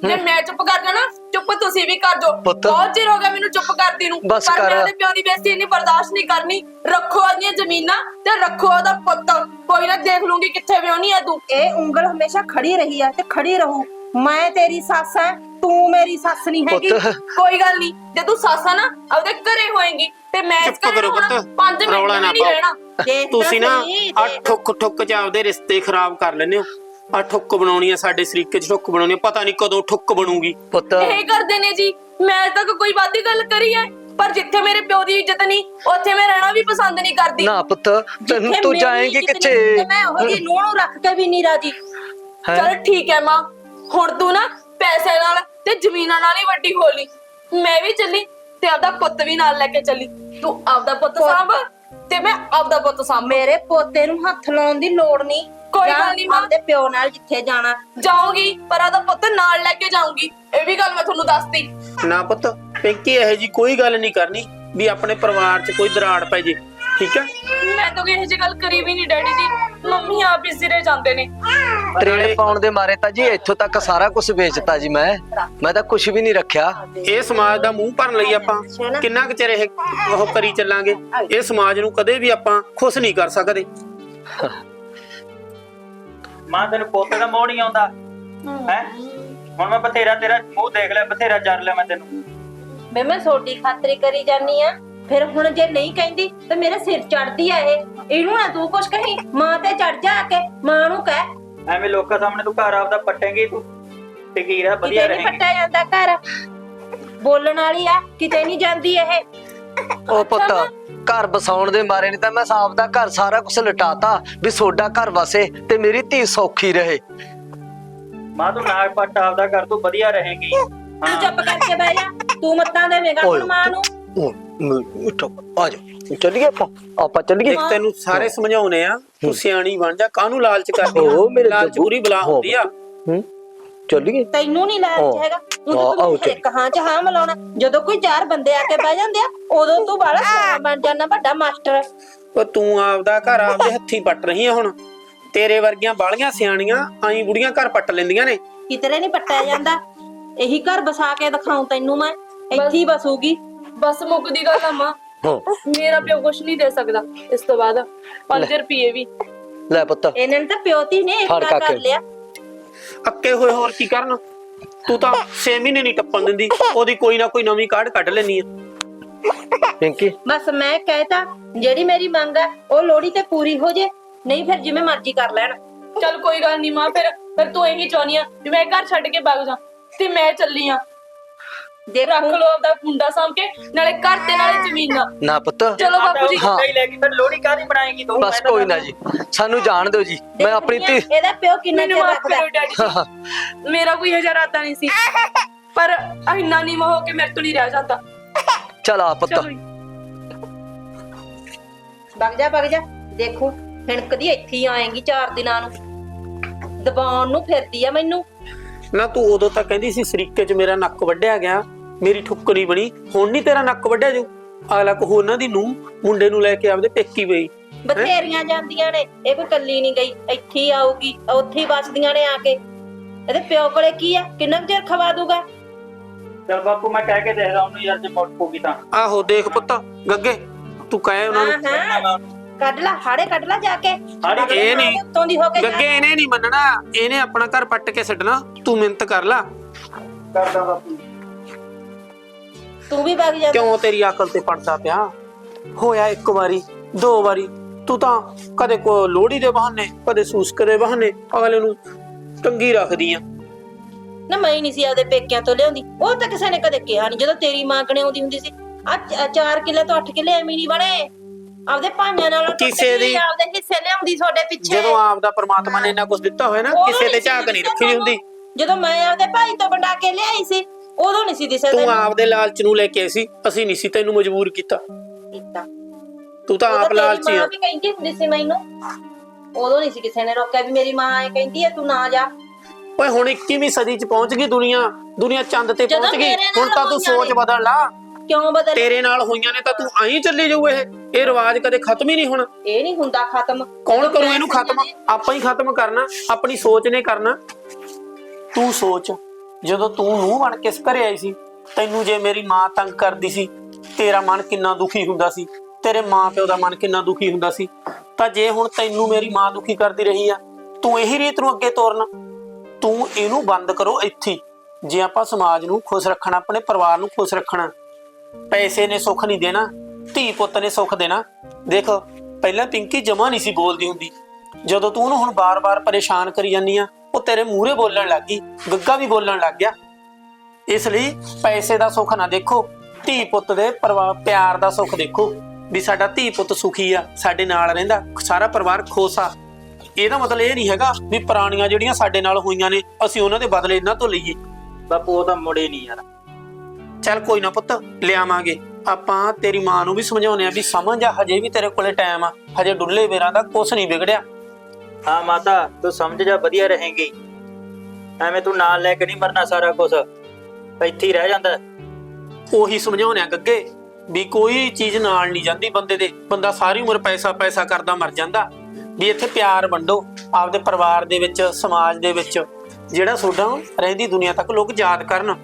Speaker 1: ਜੇ ਮੈਂ ਚੁੱਪ ਕਰ ਜਾਣਾ ਚੁੱਪ ਤੁਸੀਂ ਵੀ ਕਰ ਜਾਓ।
Speaker 3: ਪੁੱਤ।
Speaker 1: ਬਹੁਤ ਚਿਰ ਹੋ ਗਿਆ ਮੈਨੂੰ ਚੁੱਪ ਕਰਦੀ ਨੂੰ,
Speaker 3: ਬਸ
Speaker 1: ਪਰ
Speaker 3: ਕਰ।
Speaker 1: ਮੈਂ ਉਹਦੇ ਪਿਓ ਦੀ ਬੇਇੱਜ਼ਤੀ ਇੰਨੀ ਬਰਦਾਸ਼ਤ ਨਹੀਂ ਕਰਨੀ। ਰੱਖੋ ਉਹਦੀਆਂ ਜ਼ਮੀਨਾਂ ਤੇ ਰੱਖੋ ਉਹਦਾ ਪੁੱਤ, ਕੋਈ ਨਾ ਦੇਖ ਲੂੰਗੀ ਕਿੱਥੇ ਵਿਆਹਣੀ ਆ ਤੂੰ।
Speaker 2: ਇਹ ਉਂਗਲ ਹਮੇਸ਼ਾ ਖੜੀ ਰਹੀ ਆ ਤੇ ਖੜੀ ਰਹੂ। ਮੈਂ ਤੇਰੀ ਸੱਸ ਐ, ਤੂੰ ਮੇਰੀ ਸੱਸ ਨਹੀਂ ਹੈਗੀ।
Speaker 3: ਪੁੱਤ
Speaker 1: ਕੋਈ ਗੱਲ ਨਹੀਂ, ਜੇ ਤੂੰ ਸੱਸ ਆ ਨਾ ਆਪਦੇ ਘਰੇ ਹੋਏਗੀ ਤੇ ਮੈਂ ਇਸ
Speaker 4: ਚੁੱਪ
Speaker 1: ਘਰੇ
Speaker 4: ਕਰੋ
Speaker 1: ਹੋਣਾ
Speaker 4: ਪੁੱਤ,
Speaker 1: ਪੰਜ ਮਿੰਟ
Speaker 4: ਰੌਲਾ ਨਾ
Speaker 1: ਵੀ ਨਹੀਂ
Speaker 4: ਪਾਓ।
Speaker 1: ਰਹਿਣਾ।
Speaker 2: ਦੇਖ ਤਾਂ
Speaker 4: ਤੁਸੀਂ ਨਾ
Speaker 2: ਸਹੀ,
Speaker 4: ਆ
Speaker 2: ਦੇਖ।
Speaker 4: ਠੁੱਕ ਠੁੱਕ ਚ ਆਪਦੇ ਰਿਸ਼ਤੇ ਖਰਾਬ ਕਰ ਲੈਂਦੇ ਹੋ। ਆ ਠੁੱਕ ਬਣਾਉਣੀ ਆ ਸਾਡੇ ਸਰੀਕੇ ਚ ਠੁੱਕ ਬਣਾਉਣੀ ਆ, ਪਤਾ ਨਹੀਂ ਕਦੋਂ ਠੁੱਕ ਬਣੂਗੀ।
Speaker 3: ਪੁੱਤ
Speaker 1: ਇਹ ਕਰਦੇ ਨੇ ਜੀ, ਮੈਂ ਤਾਂ ਕੋਈ ਵਾਦੀ ਗੱਲ ਕਰੀ ਹੈ, ਪਰ ਜਿੱਥੇ ਮੇਰੇ ਪਿਓ ਦੀ ਇੱਜ਼ਤ ਨਹੀਂ ਉੱਥੇ ਮੈਂ ਰਹਿਣਾ ਵੀ ਪਸੰਦ ਨਹੀਂ ਕਰਦੀ।
Speaker 3: ਨਾ ਪੁੱਤ ਤੈਨੂੰ
Speaker 2: ਜਿੱਥੇ
Speaker 3: ਤੂੰ
Speaker 2: ਮੇਰੀ
Speaker 3: ਜਾਏਂਗੀ
Speaker 2: ਇੱਜ਼ਤ
Speaker 3: ਕਿੱਥੇ?
Speaker 2: ਨਹੀਂ ਤੇ ਮੈਂ ਉਹਦੀ ਨੂੰਹ ਨੂੰ ਰੱਖ ਕੇ ਵੀ ਨਹੀਂ ਰਾਜੀ।
Speaker 3: ਹੈਂ?
Speaker 1: ਚਲ ਠੀਕ ਹੈ ਮਾਂ, ਹੁਣ ਤੂੰ ਨਾ ਪੈਸੇ ਨਾਲ ਤੇ ਜ਼ਮੀਨਾਂ ਨਾਲ ਹੀ ਵੱਡੀ ਹੋ ਲਈ। ਮੈਂ ਵੀ ਚੱਲੀ ਤੇ ਆਪਦਾ ਪੁੱਤ ਵੀ ਨਾਲ ਲੈ ਕੇ ਚੱਲੀ। ਤੂੰ ਆਪਦਾ ਪੁੱਤ ਸਾਂਭ ਤੇ ਮੈਂ ਆਪਦਾ ਪੁੱਤ ਸਾਂਭ।
Speaker 2: ਮੇਰੇ ਪੋਤੇ ਨੂੰ ਹੱਥ ਲਾਉਣ ਦੀ ਲੋੜ ਨਹੀਂ।
Speaker 1: ਕੋਈ
Speaker 2: ਜਾ
Speaker 1: ਗੱਲ ਨੀ ਮਾਂ।
Speaker 2: ਆਪਦੇ ਪਿਓ ਨਾਲ ਜਿੱਥੇ ਜਾਣਾ।
Speaker 1: ਜਾਊਂਗੀ ਪਰ ਆਪਦਾ ਪੁੱਤ ਨਾਲ ਲੈ ਕੇ ਜਾਊਂਗੀ, ਇਹ ਵੀ ਗੱਲ ਮੈਂ ਤੁਹਾਨੂੰ ਦੱਸਤੀ।
Speaker 4: ਨਾ ਪੁੱਤ ਪਿੰਕੀ ਇਹੋ ਜੀ ਕੋਈ ਗੱਲ ਨਹੀਂ ਕਰਨੀ ਵੀ ਆਪਣੇ ਪਰਿਵਾਰ ਚ ਕੋਈ ਦਰਾੜ ਪੈ ਜੇ, ਠੀਕ ਹੈ?
Speaker 1: ਮੈਂ ਤਾਂ ਕੋਈ ਇਹੋ ਜਿਹੀ ਗੱਲ ਕਰੀ ਵੀ ਨਹੀਂ ਡੈਡੀ ਜੀ, ਮੰਮੀ ਆਪ ਹੀ ਸਿਰੇ ਜਾਂਦੇ ਨੇ।
Speaker 3: ਤਰੇੜੇ ਪਾਉਣ ਦੇ ਮਾਰੇ ਤਾਂ ਜੀ ਇੱਥੋਂ ਤੱਕ ਸਾਰਾ ਕੁਝ ਵੇਚਤਾ ਜੀ। ਮੈਂ ਮੈਂ ਤਾਂ ਕੁਝ ਵੀ ਨਹੀਂ ਰੱਖਿਆ।
Speaker 4: ਇਹ ਸਮਾਜ ਦਾ ਮੂੰਹ ਭਰਨ ਲਈ ਆਪਾਂ ਕਿੰਨਾ ਕੁ ਚਿਰ ਇਹ ਉਹ ਕਰੀ ਚੱਲਾਂਗੇ? ਇਹ ਸਮਾਜ ਨੂੰ ਕਦੇ ਵੀ ਆਪਾਂ ਖੁਸ਼ ਨਹੀਂ ਕਰ ਸਕਦੇ।
Speaker 5: ਮਾਂ ਤੈਨੂੰ ਪੋਤੇ ਦਾ ਮੋਹ ਨਹੀਂ ਆਉਂਦਾ ਹੈ? ਹੁਣ ਮੈਂ ਬਥੇਰਾ ਤੇਰਾ ਮੂੰਹ ਦੇਖ ਲਿਆ, ਬਥੇਰਾ ਜਰ ਲਿਆ ਮੈਂ ਤੈਨੂੰ।
Speaker 2: ਮੈਂ ਮੈਂ ਛੋਟੀ ਖਾਤਰੀ ਕਰੀ ਜਾਨੀ ਆ। ਫਿਰ ਹੁਣ ਜੇ ਨਹੀਂ ਕਹਿੰਦੀ ਤੇ ਮੇਰੇ ਸਿਰ ਚੜਦੀ ਆ ਇਹ। ਇਹਨੂੰ ਨਾ ਤੂੰ ਕੁਛ ਕਹੀਂ, ਮਾਂ ਤੇ ਚੜ ਜਾ ਕੇ ਮਾਂ ਨੂੰ ਕਹਿ।
Speaker 5: ਐਵੇਂ ਲੋਕਾਂ ਸਾਹਮਣੇ ਤੂੰ ਘਰ ਆਪਦਾ ਪੱਟੇਂਗੀ, ਤੂੰ ਟਿਕੀ ਰਹਿ, ਵਧੀਆ
Speaker 2: ਕਿਤੇ ਨਹੀਂ
Speaker 5: ਰਹੇਂਗੀ।
Speaker 2: ਪੱਟਿਆ ਜਾਂਦਾ ਘਰ, ਬੋਲਣ ਵਾਲੀ ਆ, ਕਿਤੇ ਨਹੀਂ ਜਾਂਦੀ ਇਹ।
Speaker 3: ਉਹ ਪੁੱਤ ਘਰ ਬਸਾਉਣ ਦੇ ਮਾਰੇ ਨਹੀਂ ਤਾਂ ਮੈਂ ਸਾਫ ਦਾ ਘਰ ਸਾਰਾ ਕੁਝ ਲਟਾਤਾ ਵੀ ਸੋਡਾ ਘਰ ਵਸੇ ਤੇ ਮੇਰੀ ਧੀ ਸੌਖੀ ਰਹੇ।
Speaker 5: ਮਾਂ ਤੂੰ ਨਾਗ ਪੱਟ ਆਪਦਾ ਕਰ, ਤੂੰ ਵਧੀਆ ਰਹੇਂਗੀ।
Speaker 2: ਤੂੰ ਚੁੱਪ ਕਰਕੇ ਬਹਿ ਜਾ, ਤੂੰ ਮੱਤਾਂ ਦੇਵੇਂਗਾ
Speaker 3: ਓਏ,
Speaker 2: ਹੁਣ ਮਾਂ ਨੂੰ।
Speaker 3: ਉੱਠੋ ਆ ਜਾ ਚੱਲੀਏ ਆਪਾਂ ਆਪਾਂ ਚੱਲੀਏ।
Speaker 4: ਦੇਖ ਤੈਨੂੰ ਸਾਰੇ ਸਮਝਾਉਨੇ ਆ, ਤੂੰ ਸਿਆਣੀ ਬਣ ਜਾ। ਕਾਹਨੂੰ ਲਾਲਚ ਕਰਦੀ
Speaker 3: ਓ ਮੇਰੇ
Speaker 4: ਲਾਲਚ
Speaker 3: ਜੱਗੂ।
Speaker 4: ਪੂਰੀ ਬਲਾ ਹੁੰਦੀ ਆ।
Speaker 3: ਹੂੰ ਚੱਲੀਏ।
Speaker 2: ਤੈਨੂੰ ਨਹੀਂ ਲਾਲਚ
Speaker 3: ਹਾਂ।
Speaker 2: ਹੈਗਾ, ਤੂੰ
Speaker 3: ਹਾਂ, ਆਓ
Speaker 2: ਤਾਂ
Speaker 3: ਚੱਲ।
Speaker 2: ਇੱਕ ਹਾਂ ਚ ਹਾਂ ਮਿਲਾਉਣਾ। ਜਦੋਂ ਕੋਈ ਚਾਰ ਬੰਦੇ ਆ ਕੇ ਬਹਿ ਜਾਂਦੇ ਆ ਉਦੋਂ ਤੂੰ ਬਾਹਲਾ ਸਿਆਣਾ ਬਣ ਜਾਂਦਾ, ਵੱਡਾ ਮਾਸਟਰ।
Speaker 4: ਉਹ ਤੂੰ ਆਪਦਾ ਘਰ ਆਪਦੇ ਹੱਥੀਂ ਪੱਟ ਰਹੀ ਆ ਹੁਣ। ਤੇਰੇ ਵਰਗੀਆਂ ਬਾਲੀਆਂ ਸਿਆਣੀਆਂ ਆਈ ਬੁੜੀਆਂ ਘਰ ਪੱਟ ਲੈਂਦੀਆਂ ਨੇ।
Speaker 2: ਕਿਤਰੇ ਨਹੀਂ ਪੱਟਿਆ ਜਾਂਦਾ। ਇਹੀ ਘਰ ਬਸਾ ਕੇ ਦਿਖਾਉਂ ਤੈਨੂੰ ਮੈਂ, ਇੱਥੇ ਹੀ ਬਸੂਗੀ।
Speaker 1: ਬਸ ਮੁੱਕਦੀ ਗੱਲ ਆ ਮਾਂ,
Speaker 3: ਹਾਂ
Speaker 1: ਮੇਰਾ ਪਿਓ ਕੁਛ ਨਹੀਂ ਦੇ ਸਕਦਾ ਇਸ ਤੋਂ ਬਾਅਦ। ਪੰਜ ਰੁਪਏ ਵੀ
Speaker 3: ਲੈ ਪੁੱਤ
Speaker 2: ਇਹਨਾਂ ਨੇ ਤਾਂ ਪਿਓਤੀ ਨੇ
Speaker 3: ਫੜ
Speaker 2: ਇਕੱਠਾ
Speaker 3: ਕਾਕੇ।
Speaker 2: ਕਰ ਲਿਆ।
Speaker 4: ਅੱਕੇ ਹੋਏ ਹੋਰ ਕੀ ਕਰਨ? ਤੂੰ ਤਾਂ ਛੇ ਮਹੀਨੇ ਨਹੀਂ ਟੱਪਣ ਦਿੰਦੀ, ਉਹਦੀ ਕੋਈ ਨਾ ਕੋਈ ਨਵੀਂ ਕਾਢ ਕੱਢ ਲੈਣੀ ਆ।
Speaker 3: ਪਿੰਕੀ
Speaker 2: ਬਸ ਮੈਂ ਕਹਿਤਾ ਜਿਹੜੀ ਮੇਰੀ ਮੰਗ ਹੈ ਉਹ ਲੋੜੀ ਤੇ ਪੂਰੀ ਹੋ ਜੇ, ਨਹੀਂ ਫਿਰ ਜਿਵੇਂ ਮਰਜ਼ੀ ਕਰ ਲੈਣ।
Speaker 1: ਚੱਲ ਕੋਈ ਗੱਲ ਨਹੀਂ ਮਾਂ, ਫਿਰ ਫਿਰ ਤੂੰ ਇਹੀ ਚਾਹਨੀ ਆ ਵੀ ਮੈਂ ਘਰ ਛੱਡ ਕੇ ਭੱਜ ਜਾ ਤੇ ਮੈਂ ਚੱਲੀ ਆ।
Speaker 2: ਦੇਖ
Speaker 1: ਰੱਖ ਲੋ ਆਪਦਾ ਮੁੰਡਾ ਸਾਂਭ ਕੇ, ਨਾਲੇ ਘਰ ਤੇ ਨਾਲੇ ਜ਼ਮੀਨਾਂ।
Speaker 3: ਨਾ ਪੁੱਤ
Speaker 1: ਚਲੋ ਬਾਪੂ ਜੀ।
Speaker 3: ਹਾਂ।
Speaker 5: ਹੀ ਲੈ ਕੇ ਫਿਰ ਲੋਹੜੀ ਕਾਹਦੀ ਬਣਾਏਗੀ ਤੂੰ?
Speaker 3: ਬਸ ਕੋਈ ਨਾ ਜੀ, ਸਾਨੂੰ ਜਾਣ ਦਿਓ ਜੀ। ਮੈਂ ਆਪਣੀ ਧੀ
Speaker 2: ਇਹਦਾ ਪਿਓ ਕਿੰਨਾ
Speaker 1: ਮੈਨੂੰ
Speaker 2: ਚਿਰ
Speaker 1: ਮਾਫ
Speaker 2: ਰੱਖਦਾ।
Speaker 1: ਕਰੋ ਡੈਡੀ ਜੀ, ਮੇਰਾ ਕੋਈ ਹਜ਼ਾਰ ਆਤਾ ਨਹੀਂ ਸੀ, ਪਰ ਇੰਨਾ ਨਹੀਂ ਹੋ ਕੇ ਮੇਰੇ ਤੋਂ ਨਹੀਂ ਰਹਿ ਜਾਂਦਾ।
Speaker 3: ਚਲ ਆ ਪੁੱਤ।
Speaker 1: ਚਲੋ ਜੀ।
Speaker 2: ਵਗ ਜਾ ਵਗ ਜਾ, ਦੇਖੋ ਹਿਣਕਦੀ ਇੱਥੇ ਹੀ ਆਏਗੀ ਚਾਰ ਦਿਨਾਂ ਨੂੰ। ਦਬਾਉਣ ਨੂੰ ਫਿਰਦੀ ਆ ਮੈਨੂੰ।
Speaker 4: ਨਾ ਤੂੰ ਉਦੋਂ ਤਾਂ ਕਹਿੰਦੀ ਸੀ ਸਰੀਕੇ 'ਚ ਮੇਰਾ ਨੱਕ ਵੱਢਿਆ ਗਿਆ, ਮੇਰੀ ਠੁੱਕ ਨਹੀਂ ਬਣੀ। ਹੁਣ ਨਹੀਂ ਤੇਰਾ ਨੱਕ ਵੱਢਿਆ ਜੂ। ਅਗਲਾ ਕੋ ਉਹਨਾਂ ਦੀ ਨੂੰਹ ਮੁੰਡੇ ਨੂੰ ਲੈ ਕੇ ਆਪਦੇ ਪੇਕੀ ਪਈ।
Speaker 2: ਬਥੇਰੀਆਂ ਜਾਂਦੀਆਂ ਨੇ, ਇਹ ਕੋਈ ਕੱਲੀ ਨਹੀਂ ਗਈ। ਇੱਥੇ ਹੀ ਆਊਗੀ, ਉੱਥੇ ਹੀ ਵੱਸਦੀਆਂ ਨੇ ਆ ਕੇ। ਇਹਦੇ ਪਿਓ ਕੋਲੇ ਕੀ ਆ, ਕਿੰਨਾ ਕੁ ਚਿਰ ਖਵਾ ਦੂਗਾ?
Speaker 5: ਚੱਲ ਬਾਪੂ ਮੈਂ ਕਹਿ ਕੇ ਦੇਖਦਾ ਉਹਨੂੰ ਯਾਰ, ਜੇ ਮੁੱਟ ਪਊਗੀ ਤਾਂ।
Speaker 4: ਆਹੋ ਦੇਖ ਪੁੱਤ ਗੱਗੇ, ਤੂੰ ਕਹੇ ਉਹਨਾਂ ਨੂੰ।
Speaker 2: ਹਾਂ ਹਾਂ, ਕੱਢ ਲਾ ਹਾੜੇ, ਕੱਢ ਲਾ ਜਾ ਕੇ।
Speaker 4: ਇਹ ਨਹੀਂ
Speaker 2: ਉੱਤੋਂ ਦੀ ਹੋ ਕੇ ਜਾ।
Speaker 4: ਗੱਗੇ ਇਹਨੇ ਨਹੀਂ ਮੰਨਣਾ, ਇਹਨੇ ਆਪਣਾ ਘਰ ਪੱਟ ਕੇ ਛੱਡਣਾ। ਤੂੰ ਮਿਹਨਤ ਕਰ ਲੈ।
Speaker 5: ਕਰਦਾ ਬਾਪੂ।
Speaker 2: ਤੂੰ ਵੀ ਵਗ ਜਾ।
Speaker 4: ਕਿਉਂ ਤੇਰੀ ਅਕਲ ਤੇ ਪੜਦਾ ਪਿਆ? ਹੋਇਆ ਇੱਕ ਵਾਰੀ ਦੋ ਵਾਰੀ, ਤੂੰ ਤਾਂ ਕਦੇ ਕੋ ਲੋਹੜੀ ਦੇ ਬਹਾਨੇ, ਕਦੇ ਸੂਸਕ ਦੇ ਬਹਾਨੇ ਅਗਲੇ ਨੂੰ ਟੰਗੀ ਰੱਖਦੀ ਆ।
Speaker 2: ਨਾ ਮੈਂ ਹੀ ਨਹੀਂ ਸੀ ਆਪਦੇ ਪੇਕਿਆਂ ਤੋਂ ਲਿਆਉਂਦੀ, ਉਹ ਤਾਂ ਕਿਸੇ ਨੇ ਕਦੇ ਕਿਹਾ ਨਹੀਂ। ਜਦੋਂ ਤੇਰੀ ਮਾਂ ਕਣੇ ਆਉਂਦੀ ਹੁੰਦੀ ਸੀ, ਆ ਚਾਰ ਕਿੱਲੇ ਤੋਂ ਅੱਠ ਕਿੱਲੇ ਐਵੇਂ ਨਹੀਂ ਬਣੇ। ਆਪਦੇ ਭਾਈਆਂ ਨਾਲ
Speaker 4: ਕਿਸੇ ਦੀ-
Speaker 2: ਆਪਦੇ ਹਿੱਸੇ ਲਿਆਉਂਦੀ ਤੁਹਾਡੇ ਪਿੱਛੇ।
Speaker 4: ਜਦੋਂ ਆਪ ਦਾ ਪ੍ਰਮਾਤਮਾ ਨੇ ਇੰਨਾ ਕੁਝ ਦਿੱਤਾ ਹੋਇਆ ਨਾ,
Speaker 2: ਉਦੋਂ
Speaker 4: ਕਿਸੇ ਤੇ
Speaker 2: ਸੀ
Speaker 4: ਝਾਕ ਨਹੀਂ
Speaker 2: ਦਿਸਿਆ
Speaker 4: ਰੱਖੀ ਹੁੰਦੀ।
Speaker 2: ਜਦੋਂ ਮੈਂ ਆਪਦੇ ਭਾਈ ਤੋਂ ਵੰਡਾ ਕੇ ਲਿਆਈ ਸੀ, ਉਦੋਂ ਨਹੀਂ ਸੀ ਦਿਸਿਆ
Speaker 4: ਤੂੰ
Speaker 2: ਤੈਨੂੰ।
Speaker 4: ਆਪ ਦੇ ਲਾਲਚ ਨੂੰ ਲੈ ਕੇ ਆਈ ਸੀ, ਅਸੀਂ ਨਹੀਂ ਸੀ ਤੈਨੂੰ ਮਜਬੂਰ ਕੀਤਾ।
Speaker 2: ਕੀਤਾ।
Speaker 4: ਤੂੰ ਤਾਂ
Speaker 2: ਉਦੋਂ
Speaker 4: ਆਪ
Speaker 2: ਤੇਰੀ
Speaker 4: ਲਾਲਚੀ
Speaker 2: ਮਾਂ
Speaker 4: ਆ।
Speaker 2: ਵੀ ਕਹਿੰਦੀ ਹੁੰਦੀ ਸੀ ਮੈਨੂੰ, ਉਦੋਂ ਨਹੀਂ ਸੀ ਕਿਸੇ ਨੇ ਰੋਕਿਆ ਵੀ ਮੇਰੀ ਮਾਂ ਐ ਕਹਿੰਦੀ ਐ ਤੂੰ ਨਾ ਜਾ।
Speaker 4: ਓਏ ਹੁਣ ਇੱਕੀਵੀਂ ਸਦੀ ਚ ਪਹੁੰਚ ਗਈ ਦੁਨੀਆ, ਦੁਨੀਆ ਚੰਦ ਤੇ
Speaker 2: ਜਦੋਂ
Speaker 4: ਪਹੁੰਚ ਗਈ।
Speaker 2: ਮੇਰੇ ਨਾਲ
Speaker 4: ਹੁਣ ਤਾਂ ਤੂੰ
Speaker 2: ਹੋਈਆਂ
Speaker 4: ਸੋਚ
Speaker 2: ਨੇ।
Speaker 4: ਬਦਲ ਲਾ।
Speaker 2: ਕਿਉਂ ਬਦਲ?
Speaker 4: ਤੇਰੇ ਨਾਲ ਹੋਈਆਂ ਨੇ ਤਾਂ ਤੂੰ ਐਂ ਚੱਲੀ ਜਾਊ। ਇਹ ਇਹ ਰਿਵਾਜ ਕਦੇ ਖਤਮ ਹੀ ਨਹੀਂ ਹੋਣਾ।
Speaker 2: ਇਹ ਨਹੀਂ ਹੁੰਦਾ ਖਤਮ।
Speaker 4: ਕੌਣ ਕਰੂ ਇਹਨੂੰ ਖਤਮ? ਆਪਾਂ ਹੀ ਖਤਮ ਕਰਨਾ, ਆਪਣੀ ਸੋਚ ਨੇ ਕਰਨਾ। ਤੂੰ ਸੋਚ ਜਦੋਂ ਤੂੰ ਨੂੰਹ ਬਣ ਕੇ ਇਸ ਘਰੇ ਆਈ ਸੀ, ਤੈਨੂੰ ਜੇ ਮੇਰੀ ਮਾਂ ਤੰਗ ਕਰਦੀ ਸੀ, ਤੇਰਾ ਮਨ ਕਿੰਨਾ ਦੁਖੀ ਹੁੰਦਾ ਸੀ, ਤੇਰੇ ਮਾਂ ਪਿਓ ਦਾ ਮਨ ਕਿੰਨਾ ਦੁਖੀ ਹੁੰਦਾ ਸੀ। ਤਾਂ ਜੇ ਹੁਣ ਤੈਨੂੰ ਮੇਰੀ ਮਾਂ ਦੁਖੀ ਕਰਦੀ ਰਹੀ ਆ, ਤੂੰ ਇਹੀ ਰੀਤ ਨੂੰ ਅੱਗੇ ਤੋਰਨਾ। ਤੂੰ ਇਹਨੂੰ ਬੰਦ ਕਰੋ ਇੱਥੇ। ਜੇ ਆਪਾਂ ਸਮਾਜ ਨੂੰ ਖੁਸ਼ ਰੱਖਣਾ, ਆਪਣੇ ਪਰਿਵਾਰ ਨੂੰ ਖੁਸ਼ ਰੱਖਣਾ, ਪੈਸੇ ਨੇ ਸੁੱਖ ਨਹੀਂ ਦੇਣਾ, ਧੀ ਪੁੱਤ ਨੇ ਸੁੱਖ ਦੇਣਾ। ਦੇਖ ਪਹਿਲਾਂ ਪਿੰਕੀ ਜਮਾ ਨਹੀਂ ਸੀ ਬੋਲਦੀ ਹੁੰਦੀ, ਜਦੋਂ ਤੂੰ ਉਹਨੂੰ ਹੁਣ ਬਾਰ-ਬਾਰ ਪਰੇਸ਼ਾਨ ਕਰੀ ਜਾਂਦੀ ਆ, ਉਹ ਤੇਰੇ ਮੂਹਰੇ ਬੋਲਣ ਲੱਗ ਗਈ, ਗੱਗਾ ਵੀ ਬੋਲਣ ਲੱਗ ਗਿਆ। ਇਸ ਲਈ ਪੈਸੇ ਦਾ ਸੁੱਖ ਨਾ ਦੇਖੋ, ਧੀ ਪੁੱਤ ਦੇ ਪਰਿਵਾਰ ਪਿਆਰ ਦਾ ਸੁੱਖ ਦੇਖੋ, ਵੀ ਸਾਡਾ ਧੀ ਪੁੱਤ ਸੁਖੀ ਆ, ਸਾਡੇ ਨਾਲ ਰਹਿੰਦਾ, ਸਾਰਾ ਪਰਿਵਾਰ ਖੁਸ਼ ਆ। ਇਹਦਾ ਮਤਲਬ ਇਹ ਨਹੀਂ ਹੈਗਾ ਵੀ ਪੁਰਾਣੀਆਂ ਜਿਹੜੀਆਂ ਸਾਡੇ ਨਾਲ ਹੋਈਆਂ ਨੇ ਅਸੀਂ ਉਹਨਾਂ ਦੇ ਬਦਲੇ ਇਹਨਾਂ ਤੋਂ ਲਈਏ।
Speaker 5: ਬਾਪੂ ਉਹ ਤਾਂ ਮੁੜੇ ਨਹੀਂ ਯਾਰ।
Speaker 4: ਚੱਲ ਕੋਈ ਨਾ ਪੁੱਤ, ਲਿਆਵਾਂਗੇ ਆਪਾਂ। ਤੇਰੀ ਮਾਂ ਨੂੰ ਵੀ ਸਮਝਾਉਣੇ ਆ ਵੀ ਸਮਝ ਆ, ਹਜੇ ਵੀ ਤੇਰੇ ਕੋਲੇ ਟਾਈਮ ਆ, ਹਜੇ ਡੁੱਲੇ ਵੇਰਾਂ ਦਾ ਕੁਛ ਨਹੀਂ ਵਿਗੜਿਆ।
Speaker 5: ਹਾਂ ਮਾਤਾ ਤੂੰ ਸਮਝ ਜਾ, ਵਧੀਆ ਰਹੇਂਗੀ। ਐਵੇਂ ਤੂੰ ਨਾਲ ਲੈ ਕੇ ਨਹੀਂ ਮਰਨਾ, ਸਾਰਾ ਕੁਝ ਇੱਥੇ ਹੀ ਰਹਿ ਜਾਂਦਾ।
Speaker 4: ਉਹੀ ਸਮਝਾਉਣੇ ਆ ਗੱਗੇ ਵੀ ਕੋਈ ਚੀਜ਼ ਨਾਲ ਨਹੀਂ ਜਾਂਦੀ ਬੰਦੇ ਦੇ, ਬੰਦਾ ਸਾਰੀ ਉਮਰ ਪੈਸਾ ਪੈਸਾ ਕਰਦਾ ਮਰ ਜਾਂਦਾ। ਵੀ ਇੱਥੇ ਪਿਆਰ ਵੰਡੋ ਆਪਦੇ ਪਰਿਵਾਰ ਦੇ ਵਿੱਚ, ਸਮਾਜ ਦੇ ਵਿੱਚ, ਜਿਹੜਾ ਤੁਹਾਡਾ ਰਹਿੰਦੀ ਦੁਨੀਆ ਤੱਕ ਲੋਕ ਯਾਦ ਕਰਨ।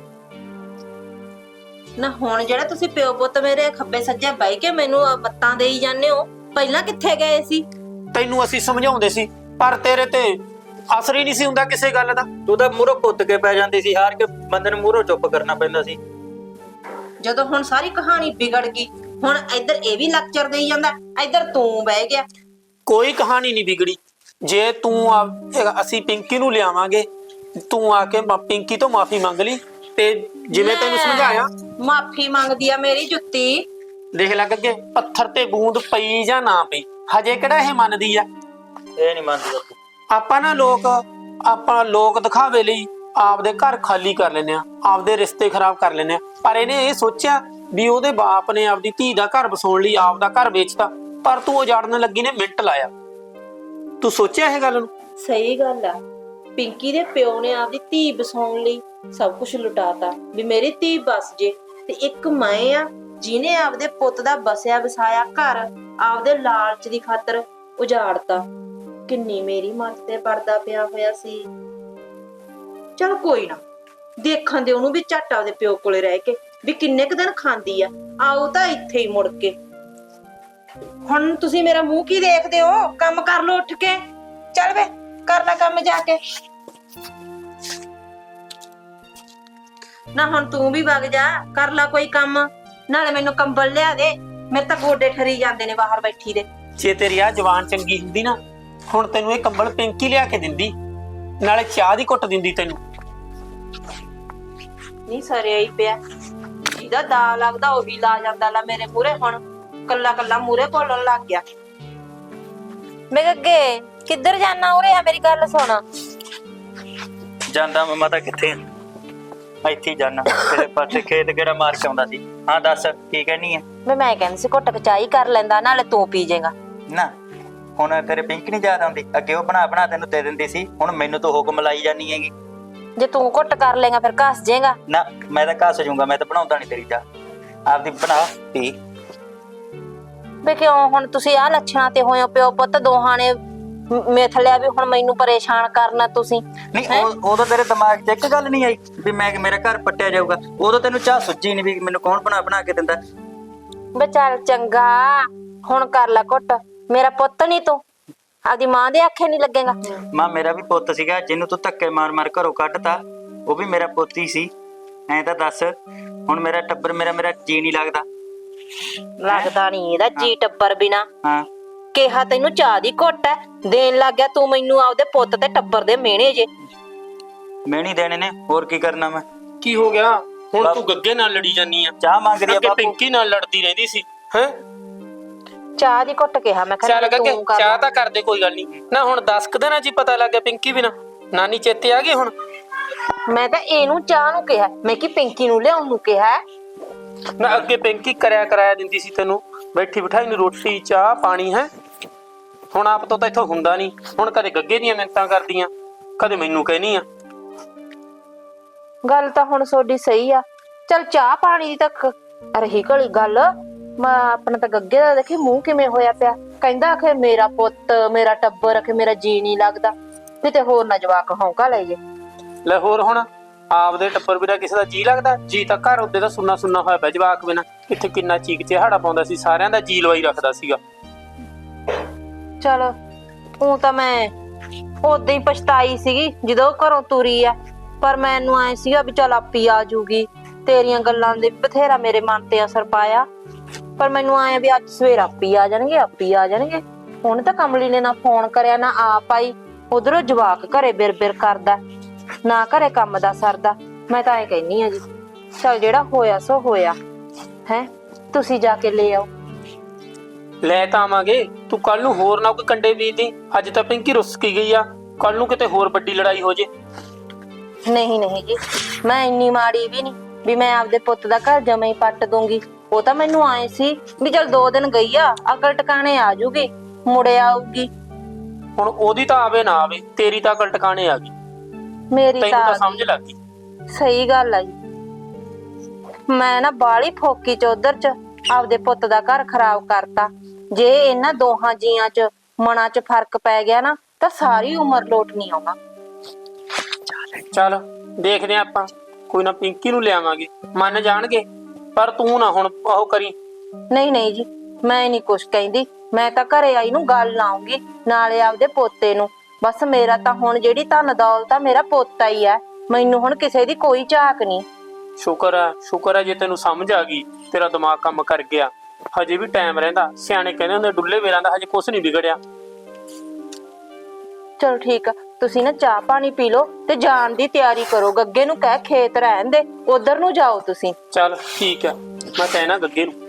Speaker 2: ਨਾ ਹੁਣ ਜਿਹੜਾ ਤੁਸੀਂ ਪਿਓ ਪੁੱਤ ਮੇਰੇ ਖੱਬੇ ਸੱਜੇ ਬਹਿ ਕੇ ਮੈਨੂੰ ਮੱਤਾਂ ਦੇਈ ਜਾਂਦੇ ਹੋ, ਪਹਿਲਾਂ ਕਿੱਥੇ ਗਏ ਸੀ?
Speaker 4: ਤੈਨੂੰ ਅਸੀਂ ਸਮਝਾਉਂਦੇ ਸੀ, ਪਰ ਤੇਰੇ ਤੇ ਅਸਰ ਹੀ ਨਹੀਂ ਸੀ ਹੁੰਦਾ ਕਿਸੇ ਗੱਲ ਦਾ।
Speaker 5: ਤੂੰ ਤਾਂ ਮੂਹਰੋਂ ਕੁੱਤ ਕੇ ਪੈ ਜਾਂਦੀ ਸੀ, ਹਾਰ ਕੇ ਬੰਦੇ ਨੂੰ ਮੂਹਰੋਂ ਚੁੱਪ ਕਰਨਾ ਪੈਂਦਾ ਸੀ।
Speaker 2: ਜਦੋਂ ਹੁਣ ਸਾਰੀ ਕਹਾਣੀ ਵਿਗੜ ਗਈ, ਹੁਣ ਇੱਧਰ ਇਹ ਵੀ ਲੈਕਚਰ ਦੇਈ ਜਾਂਦਾ, ਇੱਧਰ ਤੂੰ ਬਹਿ ਗਿਆ।
Speaker 4: ਕੋਈ ਕਹਾਣੀ ਨਹੀਂ ਵਿਗੜੀ। ਜੇ ਤੂੰ ਆ ਅਸੀਂ ਪਿੰਕੀ ਨੂੰ ਲਿਆਵਾਂਗੇ, ਤੂੰ ਆ ਕੇ ਪਿੰਕੀ ਤੋਂ ਮਾਫੀ ਮੰਗ ਲਈ, ਤੇ ਜਿਵੇਂ ਤੈਨੂੰ ਸਮਝਾਇਆ।
Speaker 2: ਮਾਫੀ ਮੰਗਦੀ ਆ ਮੇਰੀ ਜੁੱਤੀ।
Speaker 4: ਦੇਖ ਲੱਗ ਅੱਗੇ ਪੱਥਰ ਤੇ ਬੂੰਦ ਪਈ ਜਾਂ ਨਾ ਪਈ, ਹਜੇ ਕਿਹੜਾ ਇਹ ਮੰਨਦੀ ਆ?
Speaker 5: ਇਹ ਨਹੀਂ ਮੰਨਦੀ ਬਾਪੂ।
Speaker 4: ਆਪਾਂ ਨਾ ਲੋਕ ਆਪਾਂ ਲੋਕ ਦਿਖਾਵੇ ਲਈ ਆਪਦੇ ਘਰ ਖਾਲੀ ਕਰ ਲੈਂਦੇ ਆ, ਆਪਦੇ ਰਿਸ਼ਤੇ ਖਰਾਬ ਕਰ ਲੈਂਦੇ ਆ। ਪਰ ਇਹਨੇ ਇਹ ਸੋਚਿਆ ਵੀ ਉਹਦੇ ਬਾਪ ਨੇ ਆਪਦੀ ਧੀ ਦਾ ਘਰ ਵਸਾਉਣ ਲਈ ਆਪਦਾ ਘਰ ਵੇਚਤਾ, ਪਰ ਤੂੰ ਉਜਾੜਨ ਲੱਗੀ ਨੇ ਮਿੰਟ ਲਾਇਆ। ਤੂੰ ਸੋਚਿਆ ਇਹ ਗੱਲ ਨੂੰ?
Speaker 2: ਸਹੀ ਗੱਲ ਆ, ਪਿੰਕੀ ਦੇ ਪਿਓ ਨੇ ਆਪਦੀ ਧੀ ਵਸਾਉਣ ਲਈ ਸਭ ਕੁਝ ਲੁਟਾਤਾ ਵੀ ਮੇਰੀ ਧੀ ਬਸ ਜੇ, ਤੇ ਇੱਕ ਮੈਂ ਆ ਜਿਹਨੇ ਆਪਦੇ ਪੁੱਤ ਦਾ ਬਸਿਆ ਵਸਾਇਆ ਘਰ ਆਪਦੇ ਲਾਲਚ ਦੀ ਖਾਤਰ ਉਜਾੜਤਾ। ਕਿੰਨੀ ਮੇਰੀ ਮੱਤ ਤੇ ਪਰਦਾ ਪਿਆ ਹੋਇਆ ਸੀ। ਚਲ ਕੋਈ ਨਾ, ਦੇਖਣ ਦੇ ਉਹਨੂੰ ਵੀ ਝੱਟ ਆਪਦੇ ਪਿਓ ਕੋਲੇ ਰਹਿ ਕੇ ਵੀ ਕਿੰਨੇ ਕੁ ਦਿਨ ਖਾਂਦੀ ਆ, ਆਓ ਤਾਂ ਇੱਥੇ ਹੀ ਮੁੜ ਕੇ। ਹੁਣ ਤੁਸੀਂ ਮੇਰਾ ਮੂੰਹ ਕੀ ਦੇਖਦੇ ਹੋ? ਕੰਮ ਕਰ ਲੋ ਉੱਠ ਕੇ। ਚੱਲ ਵੇ ਕਰ ਲੈ ਕੰਮ ਜਾ ਕੇ। ਨਾ ਹੁਣ ਤੂੰ ਵੀ ਵਗ ਜਾ, ਕਰ ਲੈ ਕੋਈ ਕੰਮ, ਨਾਲੇ ਮੈਨੂੰ ਕੰਬਲ ਲਿਆ ਦੇ, ਮੇਰੇ ਤਾਂ ਗੋਡੇ ਠਰੀ ਜਾਂਦੇ ਨੇ ਬਾਹਰ ਬੈਠੀ ਦੇ।
Speaker 4: ਜੇ ਤੇਰੀ ਆ ਜਵਾਨ ਚੰਗੀ ਹੁੰਦੀ ਨਾ, ਹੁਣ ਤੈਨੂੰ ਇਹ ਕੰਬਲ ਪਿੰਕੀ ਲਿਆ ਕੇ ਦਿੰਦੀ, ਨਾਲੇ ਚਾਹ ਦੀ ਘੁੱਟ ਦਿੰਦੀ ਤੈਨੂੰ।
Speaker 2: ਨਹੀਂ ਸਰਿਆ ਹੀ ਪਿਆ, ਜਿਹਦਾ ਦਾ ਲੱਗਦਾ ਉਹ ਵੀ ਲਾ ਜਾਂਦਾ ਲਾ ਮੇਰੇ ਮੂਹਰੇ। ਹੁਣ ਕੱਲਾ ਕੱਲਾ ਮੂਹਰੇ ਬੋਲਣ ਲੱਗ ਗਿਆ। ਮੈਂ ਅੱਗੇ ਕਿੱਧਰ ਜਾਣਾ? ਉਰੇ ਆ ਮੇਰੀ ਗੱਲ ਸੁਣ।
Speaker 5: ਜਾਂਦਾ ਮਮਾ ਤਾਂ ਕਿੱਥੇ? ਇੱਥੇ ਜਾਣਾ, ਤੇਰੇ ਪਾਸੇ ਖੇਤ ਕਿਹੜਾ ਮਾਰ ਕੇ ਆਉਂਦਾ ਸੀ। ਹਾਂ ਦੱਸ ਕੀ ਕਹਿਣੀ ਹੈ?
Speaker 2: ਮੈਂ ਮੈਂ ਕਹਿੰਦੀ ਸੀ ਘੁੱਟ ਚਾਈ ਕਰ ਲੈਂਦਾ, ਨਾਲੇ ਤੂੰ ਪੀ ਜਾਏਗਾ
Speaker 5: ਨਾ। ਹੁਣ ਤੇਰੇ ਪਿੰਕ ਨਹੀਂ ਯਾਦ ਆਉਂਦੀ? ਅੱਗੇ ਉਹ ਬਣਾ ਬਣਾ ਤੈਨੂੰ ਦੇ ਦਿੰਦੀ ਸੀ, ਹੁਣ ਮੈਨੂੰ ਤਾਂ ਹੁਕਮ ਲਾਈ ਜਾਨੀ ਹੈਗੀ।
Speaker 2: ਜੇ ਤੂੰ ਘੁੱਟ ਕਰ ਲੇਗਾ ਫਿਰ ਘਸ ਜਾਏਗਾ।
Speaker 5: ਨਾ ਮੈਂ ਤਾਂ ਘਸ ਜਾਊਂਗਾ, ਮੈਂ ਤਾਂ ਬਣਾਉਂਦਾ ਨਹੀਂ ਤੇਰੀ ਚਾਹ, ਆਪਦੀ ਬਣਾ ਪੀ।
Speaker 2: ਵੇ ਕਿਉਂ ਹੁਣ ਤੁਸੀਂ ਆਹ ਲੱਛਣਾਂ ਤੇ ਹੋਏ ਹੋ? ਪਿਓ ਪੁੱਤ ਦੋਹਾਂ ਨੇ ਮਿੱਥ ਲਿਆ ਵੀ ਹੁਣ ਮੈਨੂੰ ਪਰੇਸ਼ਾਨ ਕਰਨਾ ਤੁਸੀਂ।
Speaker 5: ਨਹੀਂ ਉਦੋਂ ਤੇਰੇ ਦਿਮਾਗ 'ਚ ਇੱਕ ਗੱਲ ਨਹੀਂ ਆਈ ਵੀ ਮੈਂ ਮੇਰਾ ਘਰ ਪੱਟਿਆ ਜਾਊਗਾ? ਉਦੋਂ ਤੈਨੂੰ ਚਾਹ ਸੁੱਜੀ ਨਹੀਂ ਵੀ ਮੈਨੂੰ ਕੌਣ ਬਣਾ ਬਣਾ ਕੇ ਦਿੰਦਾ?
Speaker 2: ਵੇ ਚੱਲ ਚੰਗਾ, ਹੁਣ ਕਰ ਲੈ ਘੁੱਟ। ਮੇਰਾ ਪੁੱਤ ਨਹੀਂ ਤੂੰ, ਆਪਦੀ ਮਾਂ ਦੇ ਆਖੇ ਨਹੀਂ ਲੱਗੇਗਾ।
Speaker 5: ਮਾਂ ਮੇਰਾ ਵੀ ਪੁੱਤ ਸੀਗਾ, ਜਿਹਨੂੰ ਤੂੰ ਧੱਕੇ ਮਾਰ ਮਾਰ ਘਰੋਂ ਕੱਢਤਾ, ਉਹ ਵੀ ਮੇਰਾ ਪੁੱਤ ਹੀ ਸੀ। ਐਂ ਤਾਂ ਦੱਸ, ਹੁਣ ਮੇਰਾ ਟੱਬਰ ਮੇਰਾ ਮੇਰਾ ਜੀ ਨਹੀਂ ਲੱਗਦਾ?
Speaker 2: ਲੱਗਦਾ ਨਹੀਂ ਇਹਦਾ ਜੀ ਟੱਬਰ ਬਿਨਾ।
Speaker 5: ਹਾਂ
Speaker 2: ਕਿਹਾ ਤੈਨੂੰ ਚਾਹ ਦੀ ਘੁੱਟ ਐ, ਦੇਣ ਲੱਗ ਗਿਆ ਤੂੰ ਮੈਨੂੰ ਆਪਦੇ ਪੁੱਤ ਤੇ ਟੱਬਰ ਦੇ ਮਿਹਣੇ ਜੇ।
Speaker 5: ਮੈਂ ਨਹੀਂ ਦੇਣੇ ਨੇ, ਹੋਰ ਕੀ ਕਰਨਾ ਮੈਂ?
Speaker 4: ਕੀ ਹੋ ਗਿਆ ਹੁਣ? ਤੂੰ ਗੱਗੇ ਨਾਲ ਲੜੀ ਜਾਨੀ ਆ,
Speaker 5: ਚਾਹ ਮੰਗ ਰਹੀ ਆ ਬਾਪੂ।
Speaker 4: ਪਿੰਕੀ ਨਾਲ ਲੜਦੀ ਰਹਿੰਦੀ ਸੀ ਹੈ।
Speaker 2: ਚਾਹ ਦੀ ਘੁੱਟ ਕਿਹਾ ਮੈਂ।
Speaker 4: ਚੱਲ ਗੱਗੇ ਚਾਹ ਤਾਂ ਕਰਦੇ, ਕੋਈ ਗੱਲ ਨਹੀਂ ਨਾ। ਹੁਣ ਦਸ ਕੁ ਦਿਨਾਂ ਚ ਹੀ ਪਤਾ ਲੱਗ ਗਿਆ ਪਿੰਕੀ ਬਿਨਾ। ਨਾਨੀ ਚੇਤੇ ਆ ਗਈ ਹੁਣ?
Speaker 2: ਮੈਂ ਤਾਂ ਇਹਨੂੰ ਚਾਹ ਨੂੰ ਕਿਹਾ, ਮੈਂ ਕਿ ਪਿੰਕੀ ਨੂੰ ਲਿਆਉਣ ਨੂੰ ਕਿਹਾ
Speaker 4: ਨਾ। ਅੱਗੇ ਪਿੰਕੀ ਕਰਿਆ ਕਰਾਇਆ ਦਿੰਦੀ ਸੀ ਤੈਨੂੰ, ਬੈਠੀ ਬਿਠਾਈ ਨੂੰ ਰੋਟੀ ਚਾਹ ਪਾਣੀ ਹੈ। ਹੁਣ ਆਪ ਤੋਂ ਤਾਂ ਇੱਥੋਂ ਹੁੰਦਾ ਨਹੀਂ। ਹੁਣ ਕਦੇ ਗੱਗੇ ਦੀਆਂ ਮਿੰਤਾਂ ਕਰਦੀਆਂ, ਕਦੇ ਮੈਨੂੰ ਕਹਿਨੀ ਆ।
Speaker 2: ਗੱਲ ਤਾਂ ਹੁਣ ਤੁਹਾਡੀ ਸਹੀ ਆ। ਚੱਲ ਚਾਹ ਪਾਣੀ ਦੀ ਤੱਕ ਰਹੀ ਘੜੀ ਗੱਲ। ਮੈਂ ਆਪਣਾ ਤਾਂ ਗੱਗੇ ਦਾ ਦੇਖੀ ਮੂੰਹ ਕਿਵੇਂ ਹੋਇਆ ਪਿਆ, ਕਹਿੰਦਾ ਆਖੇ ਮੇਰਾ ਪੁੱਤ ਮੇਰਾ ਟੱਬਰ, ਆਖੇ ਮੇਰਾ ਜੀ ਨਹੀਂ ਲੱਗਦਾ। ਕਿਤੇ ਹੋਰ ਨਾ ਜਵਾਕ ਹੌਂਕਾ ਲੈ ਜੇ।
Speaker 4: ਲੈ ਹੋਰ ਹੁਣ ਆਪਦੇ ਟੱਬਰ ਬਿਨਾਂ ਕਿਸੇ ਦਾ ਜੀ ਲੱਗਦਾ? ਜੀ ਤਾਂ ਘਰ ਉਹਦੇ ਦਾ ਸੁੰਨਾ ਸੁੰਨਾ ਹੋਇਆ ਪਿਆ ਜਵਾਕ ਬਿਨਾਂ। ਇੱਥੇ ਕਿੰਨਾ ਚੀਕ ਚਿਹਾੜਾ ਪਾਉਂਦਾ ਸੀ, ਸਾਰਿਆਂ ਦਾ ਜੀ ਲਵਾਈ ਰੱਖਦਾ ਸੀਗਾ।
Speaker 2: ਚਲ ਉਹ ਤਾਂ ਮੈਂ ਉਦੋਂ ਹੀ ਪਛਤਾਈ ਸੀਗੀ ਜਦੋਂ ਉਹ ਘਰੋਂ ਤੁਰੀ ਆ, ਪਰ ਮੈਨੂੰ ਐ ਸੀਗਾ ਵੀ ਚੱਲ ਆਪੀ ਆ ਜੂਗੀ। ਤੇਰੀਆਂ ਗੱਲਾਂ ਦੇ ਬਥੇਰਾ ਮੇਰੇ ਮਨ ਤੇ ਅਸਰ ਪਾਇਆ, ਪਰ ਮੈਨੂੰ ਆਇਆ ਵੀ ਅੱਜ ਸਵੇਰ ਆਪੀ ਆ ਜਾਣਗੇ, ਆਪੀ ਆ ਜਾਣਗੇ। ਹੁਣ ਤਾਂ ਕਮਲੀ ਨੇ ਨਾ ਫੋਨ ਕਰਿਆ ਨਾ ਆਪ ਆਈ, ਉਧਰੋਂ ਜਵਾਕ ਘਰੇ ਬਿਰ ਬਿਰ ਕਰਦਾ, ਨਾ ਘਰੇ ਕੰਮ ਦਾ ਸਰਦਾ। ਮੈਂ ਤਾਂ ਐ ਕਹਿੰਨੀ ਆ ਜੀ, ਚਲ ਜਿਹੜਾ ਹੋਇਆ ਸੋ ਹੋਇਆ ਹੈ, ਤੁਸੀਂ ਜਾ ਕੇ ਲੈ ਆਓ।
Speaker 4: ਲੈ ਤਾਂ ਆਵਾਂਗੇ, ਤੂੰ ਕੱਲ ਨੂੰ ਹੋਰ ਨਾ ਕੋਈ ਕੰਡੇ ਬੀਜਦੀ। ਅੱਜ ਤਾਂ ਪਿੰਕੀ ਰੁੱਸ ਕੀ ਗਈ ਆ, ਕੱਲ ਨੂੰ ਕਿਤੇ ਹੋਰ ਵੱਡੀ ਲੜਾਈ ਹੋ ਜੇ।
Speaker 2: ਨਹੀਂ ਨਹੀਂ ਜੀ, ਮੈਂ ਇੰਨੀ ਮਾੜੀ ਵੀ ਨਹੀਂ ਵੀ ਮੈਂ ਆਪਦੇ ਪੁੱਤ ਦਾ ਘਰ ਜਮਾਂ ਹੀ ਪੱਟ ਦੂੰਗੀ। ਉਹ ਤਾਂ ਮੈਨੂੰ ਆਏ ਸੀ ਵੀ ਚਲ ਦੋ ਦਿਨ ਗਈ ਆ, ਅਕਲ ਟਿਕਾਣੇ ਆ ਜੂਗੀ, ਮੁੜੇ ਆਊਗੀ।
Speaker 4: ਹੁਣ ਉਹਦੀ ਤਾਂ ਆਵੇ ਨਾ ਆਵੇ, ਤੇਰੀ ਤਾਂ ਅਕਲ ਟਿਕਾਣੇ ਆ ਗਈ।
Speaker 2: ਮੇਰੀ
Speaker 4: ਤੈਨੂੰ ਤਾਂ
Speaker 2: ਤਾਂ
Speaker 4: ਸਮਝ ਲੱਗ ਗਈ।
Speaker 2: ਸਹੀ ਗੱਲ ਆ ਜੀ, ਮੈਂ ਨਾ ਬਾਲੀ ਫੋਕੀ ਚ ਉਧਰ ਚ ਆਪਦੇ ਪੁੱਤ ਦਾ ਘਰ ਖਰਾਬ ਕਰਤਾ। ਜੇ ਇਹਨਾਂ ਦੋਹਾਂ ਜੀਆਂ ਚ ਮਨਾਂ ਚ ਫਰਕ ਪੈ ਗਿਆ ਨਾ ਤਾਂ ਸਾਰੀ ਉਮਰ ਲੋਟ ਨਹੀਂ ਆਉਣਾ।
Speaker 4: ਚੱਲ ਦੇਖਦੇ ਆਂ ਆਪਾਂ, ਕੋਈ ਨਾ ਪਿੰਕੀ ਨੂੰ ਲਿਆਵਾਂਗੇ, ਮੰਨ ਜਾਣਗੇ। ਪਰ ਤੂੰ ਨਾ ਹੁਣ ਉਹ ਕਰੀ।
Speaker 2: ਨਹੀਂ ਨਹੀਂ ਜੀ, ਮੈਂ ਨਹੀਂ ਕੁਛ ਕਹਿੰਦੀ। ਮੈਂ ਤਾਂ ਘਰੇ ਆਈ ਨੂੰ ਗੱਲ ਲਾਉਂਗੀ, ਨਾਲੇ ਆਪਦੇ ਪੋਤੇ ਨੂੰ। ਬਸ ਮੇਰਾ ਤਾਂ ਹੁਣ ਜਿਹੜੀ ਧਨ ਦੌਲਤ ਆ ਮੇਰਾ ਪੋਤਾ ਹੀ ਆ, ਮੈਨੂੰ ਹੁਣ ਕਿਸੇ ਦੀ ਕੋਈ ਝਾਕ ਨਹੀਂ।
Speaker 4: ਸ਼ੁਕਰ ਹੈ, ਸ਼ੁਕਰ ਹੈ ਜੇ ਤੈਨੂੰ ਸਮਝ ਆ ਗਈ, ਤੇਰਾ ਦਿਮਾਗ ਕੰਮ ਕਰ ਗਿਆ। ਹਜੇ ਵੀ ਟਾਈਮ ਰਹਿੰਦਾ, ਸਿਆਣੇ ਕਹਿੰਦੇ ਹੁੰਦੇ ਡੁੱਲੇ ਵੇਰਾਂ ਦਾ ਹਜੇ ਕੁਛ ਨਹੀਂ ਵਿਗੜਿਆ।
Speaker 2: ਚਲੋ ਠੀਕ ਆ, ਤੁਸੀਂ ਨਾ ਚਾਹ ਪਾਣੀ ਪੀ ਲਓ ਤੇ ਜਾਣ ਦੀ ਤਿਆਰੀ ਕਰੋ। ਗੱਗੇ ਨੂੰ ਕਹਿ ਖੇਤ ਰਹਿਣ ਦੇ, ਉਧਰ ਨੂੰ ਜਾਓ ਤੁਸੀਂ।
Speaker 4: ਚੱਲ ਠੀਕ ਹੈ, ਮੈਂ ਕਹਿਣਾ ਗੱਗੇ ਨੂੰ।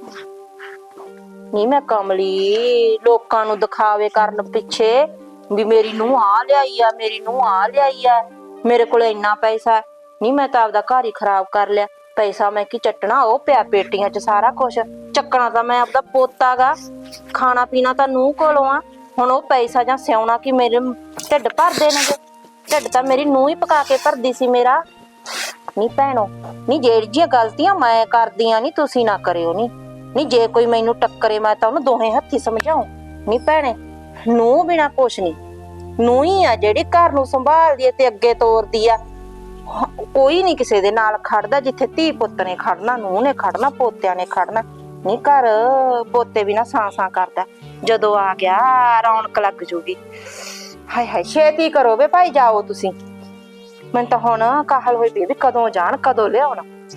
Speaker 2: ਨਹੀਂ ਮੈਂ ਕਮਲੀ, ਲੋਕਾਂ ਨੂੰ ਦਿਖਾਵੇ ਕਰਨ ਪਿੱਛੇ ਵੀ ਮੇਰੀ ਨੂੰਹ ਆ ਲਿਆਈ ਆ, ਮੇਰੀ ਨੂੰਹ ਆ ਲਿਆਈ ਆ, ਮੇਰੇ ਕੋਲ ਇੰਨਾ ਪੈਸਾ ਨਹੀਂ। ਮੈਂ ਤਾਂ ਆਪਦਾ ਘਰ ਹੀ ਖਰਾਬ ਕਰ ਲਿਆ। ਪੈਸਾ ਮੈਂ ਕੀ ਚੱਟਣਾ, ਉਹ ਪਿਆ ਪੇਟੀਆਂ 'ਚ ਸਾਰਾ ਕੁਛ। ਚੱਕਣਾ ਤਾਂ ਮੈਂ ਆਪਦਾ ਪੋਤਾ ਗਾ, ਖਾਣਾ ਪੀਣਾ ਤਾਂ ਨੂੰਹ ਕੋਲੋਂ ਆ। ਹੁਣ ਉਹ ਪੈਸਾ ਜਾਂ ਸਿਆਉਣਾ ਕਿ ਮੇਰੇ ਢਿੱਡ ਭਰ ਦੇਣਗੇ? ਢਿੱਡ ਤਾਂ ਮੇਰੀ ਨੂੰਹ ਹੀ ਪਕਾ ਕੇ ਭਰਦੀ ਸੀ ਮੇਰਾ। ਨਹੀਂ ਭੈਣੋ, ਨਹੀਂ ਜਿਹੜੀਆਂ ਗਲਤੀਆਂ ਮੈਂ ਕਰਦੀ ਆ ਨਹੀਂ ਤੁਸੀਂ ਨਾ ਕਰਿਓ। ਨਹੀਂ ਨਹੀਂ ਜੇ ਕੋਈ ਮੈਨੂੰ ਟੱਕਰੇ ਮੈਂ ਤਾਂ ਉਹਨੂੰ ਦੋਹੇ ਹੱਥੀ ਸਮਝਾਉ। ਨਹੀਂ ਭੈਣੇ, ਨੂੰਹ ਬਿਨਾ ਕੁਛ ਨਹੀਂ। ਨੂੰਹ ਹੀ ਆ ਜਿਹੜੀ ਘਰ ਨੂੰ ਸੰਭਾਲਦੀ ਹੈ ਤੇ ਅੱਗੇ ਤੋਰਦੀ ਆ। ਕੋਈ ਨਹੀਂ ਕਿਸੇ ਦੇ ਨਾਲ ਖੜਦਾ, ਜਿੱਥੇ ਧੀ ਪੁੱਤ ਨੇ ਖੜਨਾ, ਨੂੰਹ ਨੇ ਖੜਨਾ, ਪੋਤਿਆਂ ਨੇ ਖੜਨਾ। ਨਹੀਂ ਘਰ ਪੋਤੇ ਬਿਨਾ ਸਾਂ ਸਾਂ ਕਰਦਾ। ਜਦੋਂ ਆ ਗਿਆ ਰੌਣਕ ਲੱਗ ਜੂਗੀ। ਹਾਏ ਹਾਏ, ਛੇਤੀ ਕਰੋ ਵੇ ਭਾਈ, ਜਾਓ ਤੁਸੀਂ। ਮੈਨੂੰ ਤਾਂ ਹੁਣ ਕਾਹਲ ਹੋਈ ਪਈ ਵੀ ਕਦੋਂ ਜਾਣ, ਕਦੋਂ ਲਿਆਉਣ।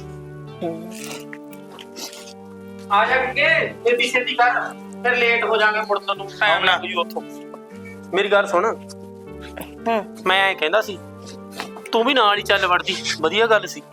Speaker 4: ਆ ਜਾ ਕੇ ਛੇਤੀ ਛੇਤੀ ਕਰ, ਫਿਰ ਲੇਟ ਹੋ ਜਾਾਂਗੇ ਮੁੜਨ ਨੂੰ, ਟਾਈਮ ਲੱਗ ਜੂ ਉੱਥੋਂ। ਮੇਰੀ ਗੱਲ ਸੁਣ,
Speaker 2: ਹੂੰ
Speaker 4: ਮੈਂ ਐਂ ਕਹਿੰਦਾ ਸੀ ਤੂੰ ਵੀ ਨਾਲ ਹੀ ਚੱਲ ਵੜਦੀ, ਵਧੀਆ ਗੱਲ ਸੀ।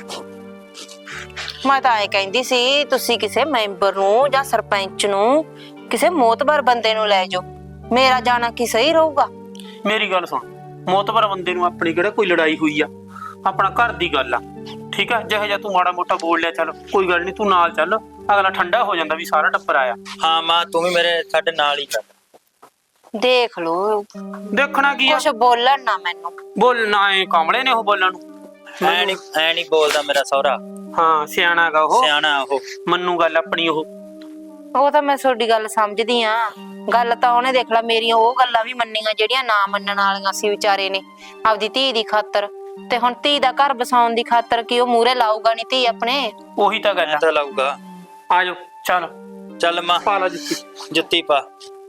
Speaker 2: ਮੈਂ ਤਾਂ ਇਹ ਕਹਿੰਦੀ ਸੀ ਤੁਸੀਂ ਕਿਸੇ ਮੈਂਬਰ ਨੂੰ ਜਾਂ ਸਰਪੰਚ ਨੂੰ, ਕਿਸੇ ਮੋਤਬਰ ਬੰਦੇ ਨੂੰ ਲੈ ਜਾਓ। ਮੇਰਾ ਜਾਣਾ ਕੀ ਸਹੀ ਰਹੂਗਾ?
Speaker 4: ਮੇਰੀ ਗੱਲ ਸੁਣ, ਮੋਤਬਰ ਬੰਦੇ ਨੂੰ ਆਪਣੀ ਕਿਹੜਾ ਕੋਈ ਲੜਾਈ ਹੋਈ ਆ, ਆਪਣਾ ਘਰ ਦੀ ਗੱਲ ਆ, ਠੀਕ ਆ। ਜਿਹੋ ਜਿਹਾ ਤੂੰ ਮਾੜਾ ਮੋਟਾ ਬੋਲ ਲਿਆ, ਚੱਲ ਕੋਈ ਗੱਲ ਨਹੀਂ, ਤੂੰ ਨਾਲ ਚੱਲ, ਅਗਲਾ ਠੰਡਾ ਹੋ ਜਾਂਦਾ ਵੀ ਸਾਰਾ ਟੱਬਰ ਆਇਆ।
Speaker 5: ਹਾਂ ਮਾਂ, ਤੂੰ ਵੀ ਮੇਰੇ ਸਾਡੇ ਨਾਲ ਹੀ ਚੱਲ।
Speaker 2: ਦੇਖ ਲੋ,
Speaker 4: ਦੇਖਣਾ ਕੀ ਆ,
Speaker 2: ਕੁਛ ਬੋਲਣ ਨਾ ਮੈਨੂੰ।
Speaker 4: ਬੋਲਣਾ ਐ ਕਾਮਲੇ ਨੇ ਉਹ ਬੋਲਣ ਨੂੰ।
Speaker 5: ਐ ਨੀ ਐ ਨੀ ਬੋਲਦਾ ਮੇਰਾ ਸਹੁਰਾ,
Speaker 4: ਹਾਂ ਸਿਆਣਾ ਗਾ ਉਹ,
Speaker 5: ਸਿਆਣਾ ਉਹ,
Speaker 4: ਮੰਨੂ ਗੱਲ ਆਪਣੀ ਉਹ।
Speaker 2: ਉਹ ਤਾਂ ਮੈਂ ਤੁਹਾਡੀ ਗੱਲ ਸਮਝਦੀ ਆ। ਗੱਲ ਤਾਂ ਉਹਨੇ ਦੇਖ ਲਾ ਮੇਰੀਆਂ ਉਹ ਗੱਲਾਂ ਵੀ ਮੰਨੀਆਂ ਜਿਹੜੀਆਂ ਨਾ ਮੰਨਣ ਵਾਲੀਆਂ ਸੀ ਵਿਚਾਰੇ ਨੇ, ਆਪਦੀ ਧੀ ਦੀ ਖਾਤਰ। ਤੇ ਹੁਣ ਧੀ ਦਾ ਘਰ ਬਸਾਉਣ ਦੀ ਖਾਤਰ ਕੀ ਉਹ ਮੂਹਰੇ ਲਾਊਗਾ ਨਹੀਂ ਧੀ ਆਪਣੇ?
Speaker 4: ਉਹੀ ਤਾਂ ਗੱਲ ਆ।
Speaker 5: ਤਾਂ ਲਾਊਗਾ।
Speaker 4: ਆ ਜਾਓ, ਚੱਲ
Speaker 5: ਚੱਲ ਮਾਂ,
Speaker 4: ਪਾ ਲਾ ਜੁੱਤੀ।
Speaker 5: ਜੁੱਤੀ ਪਾ,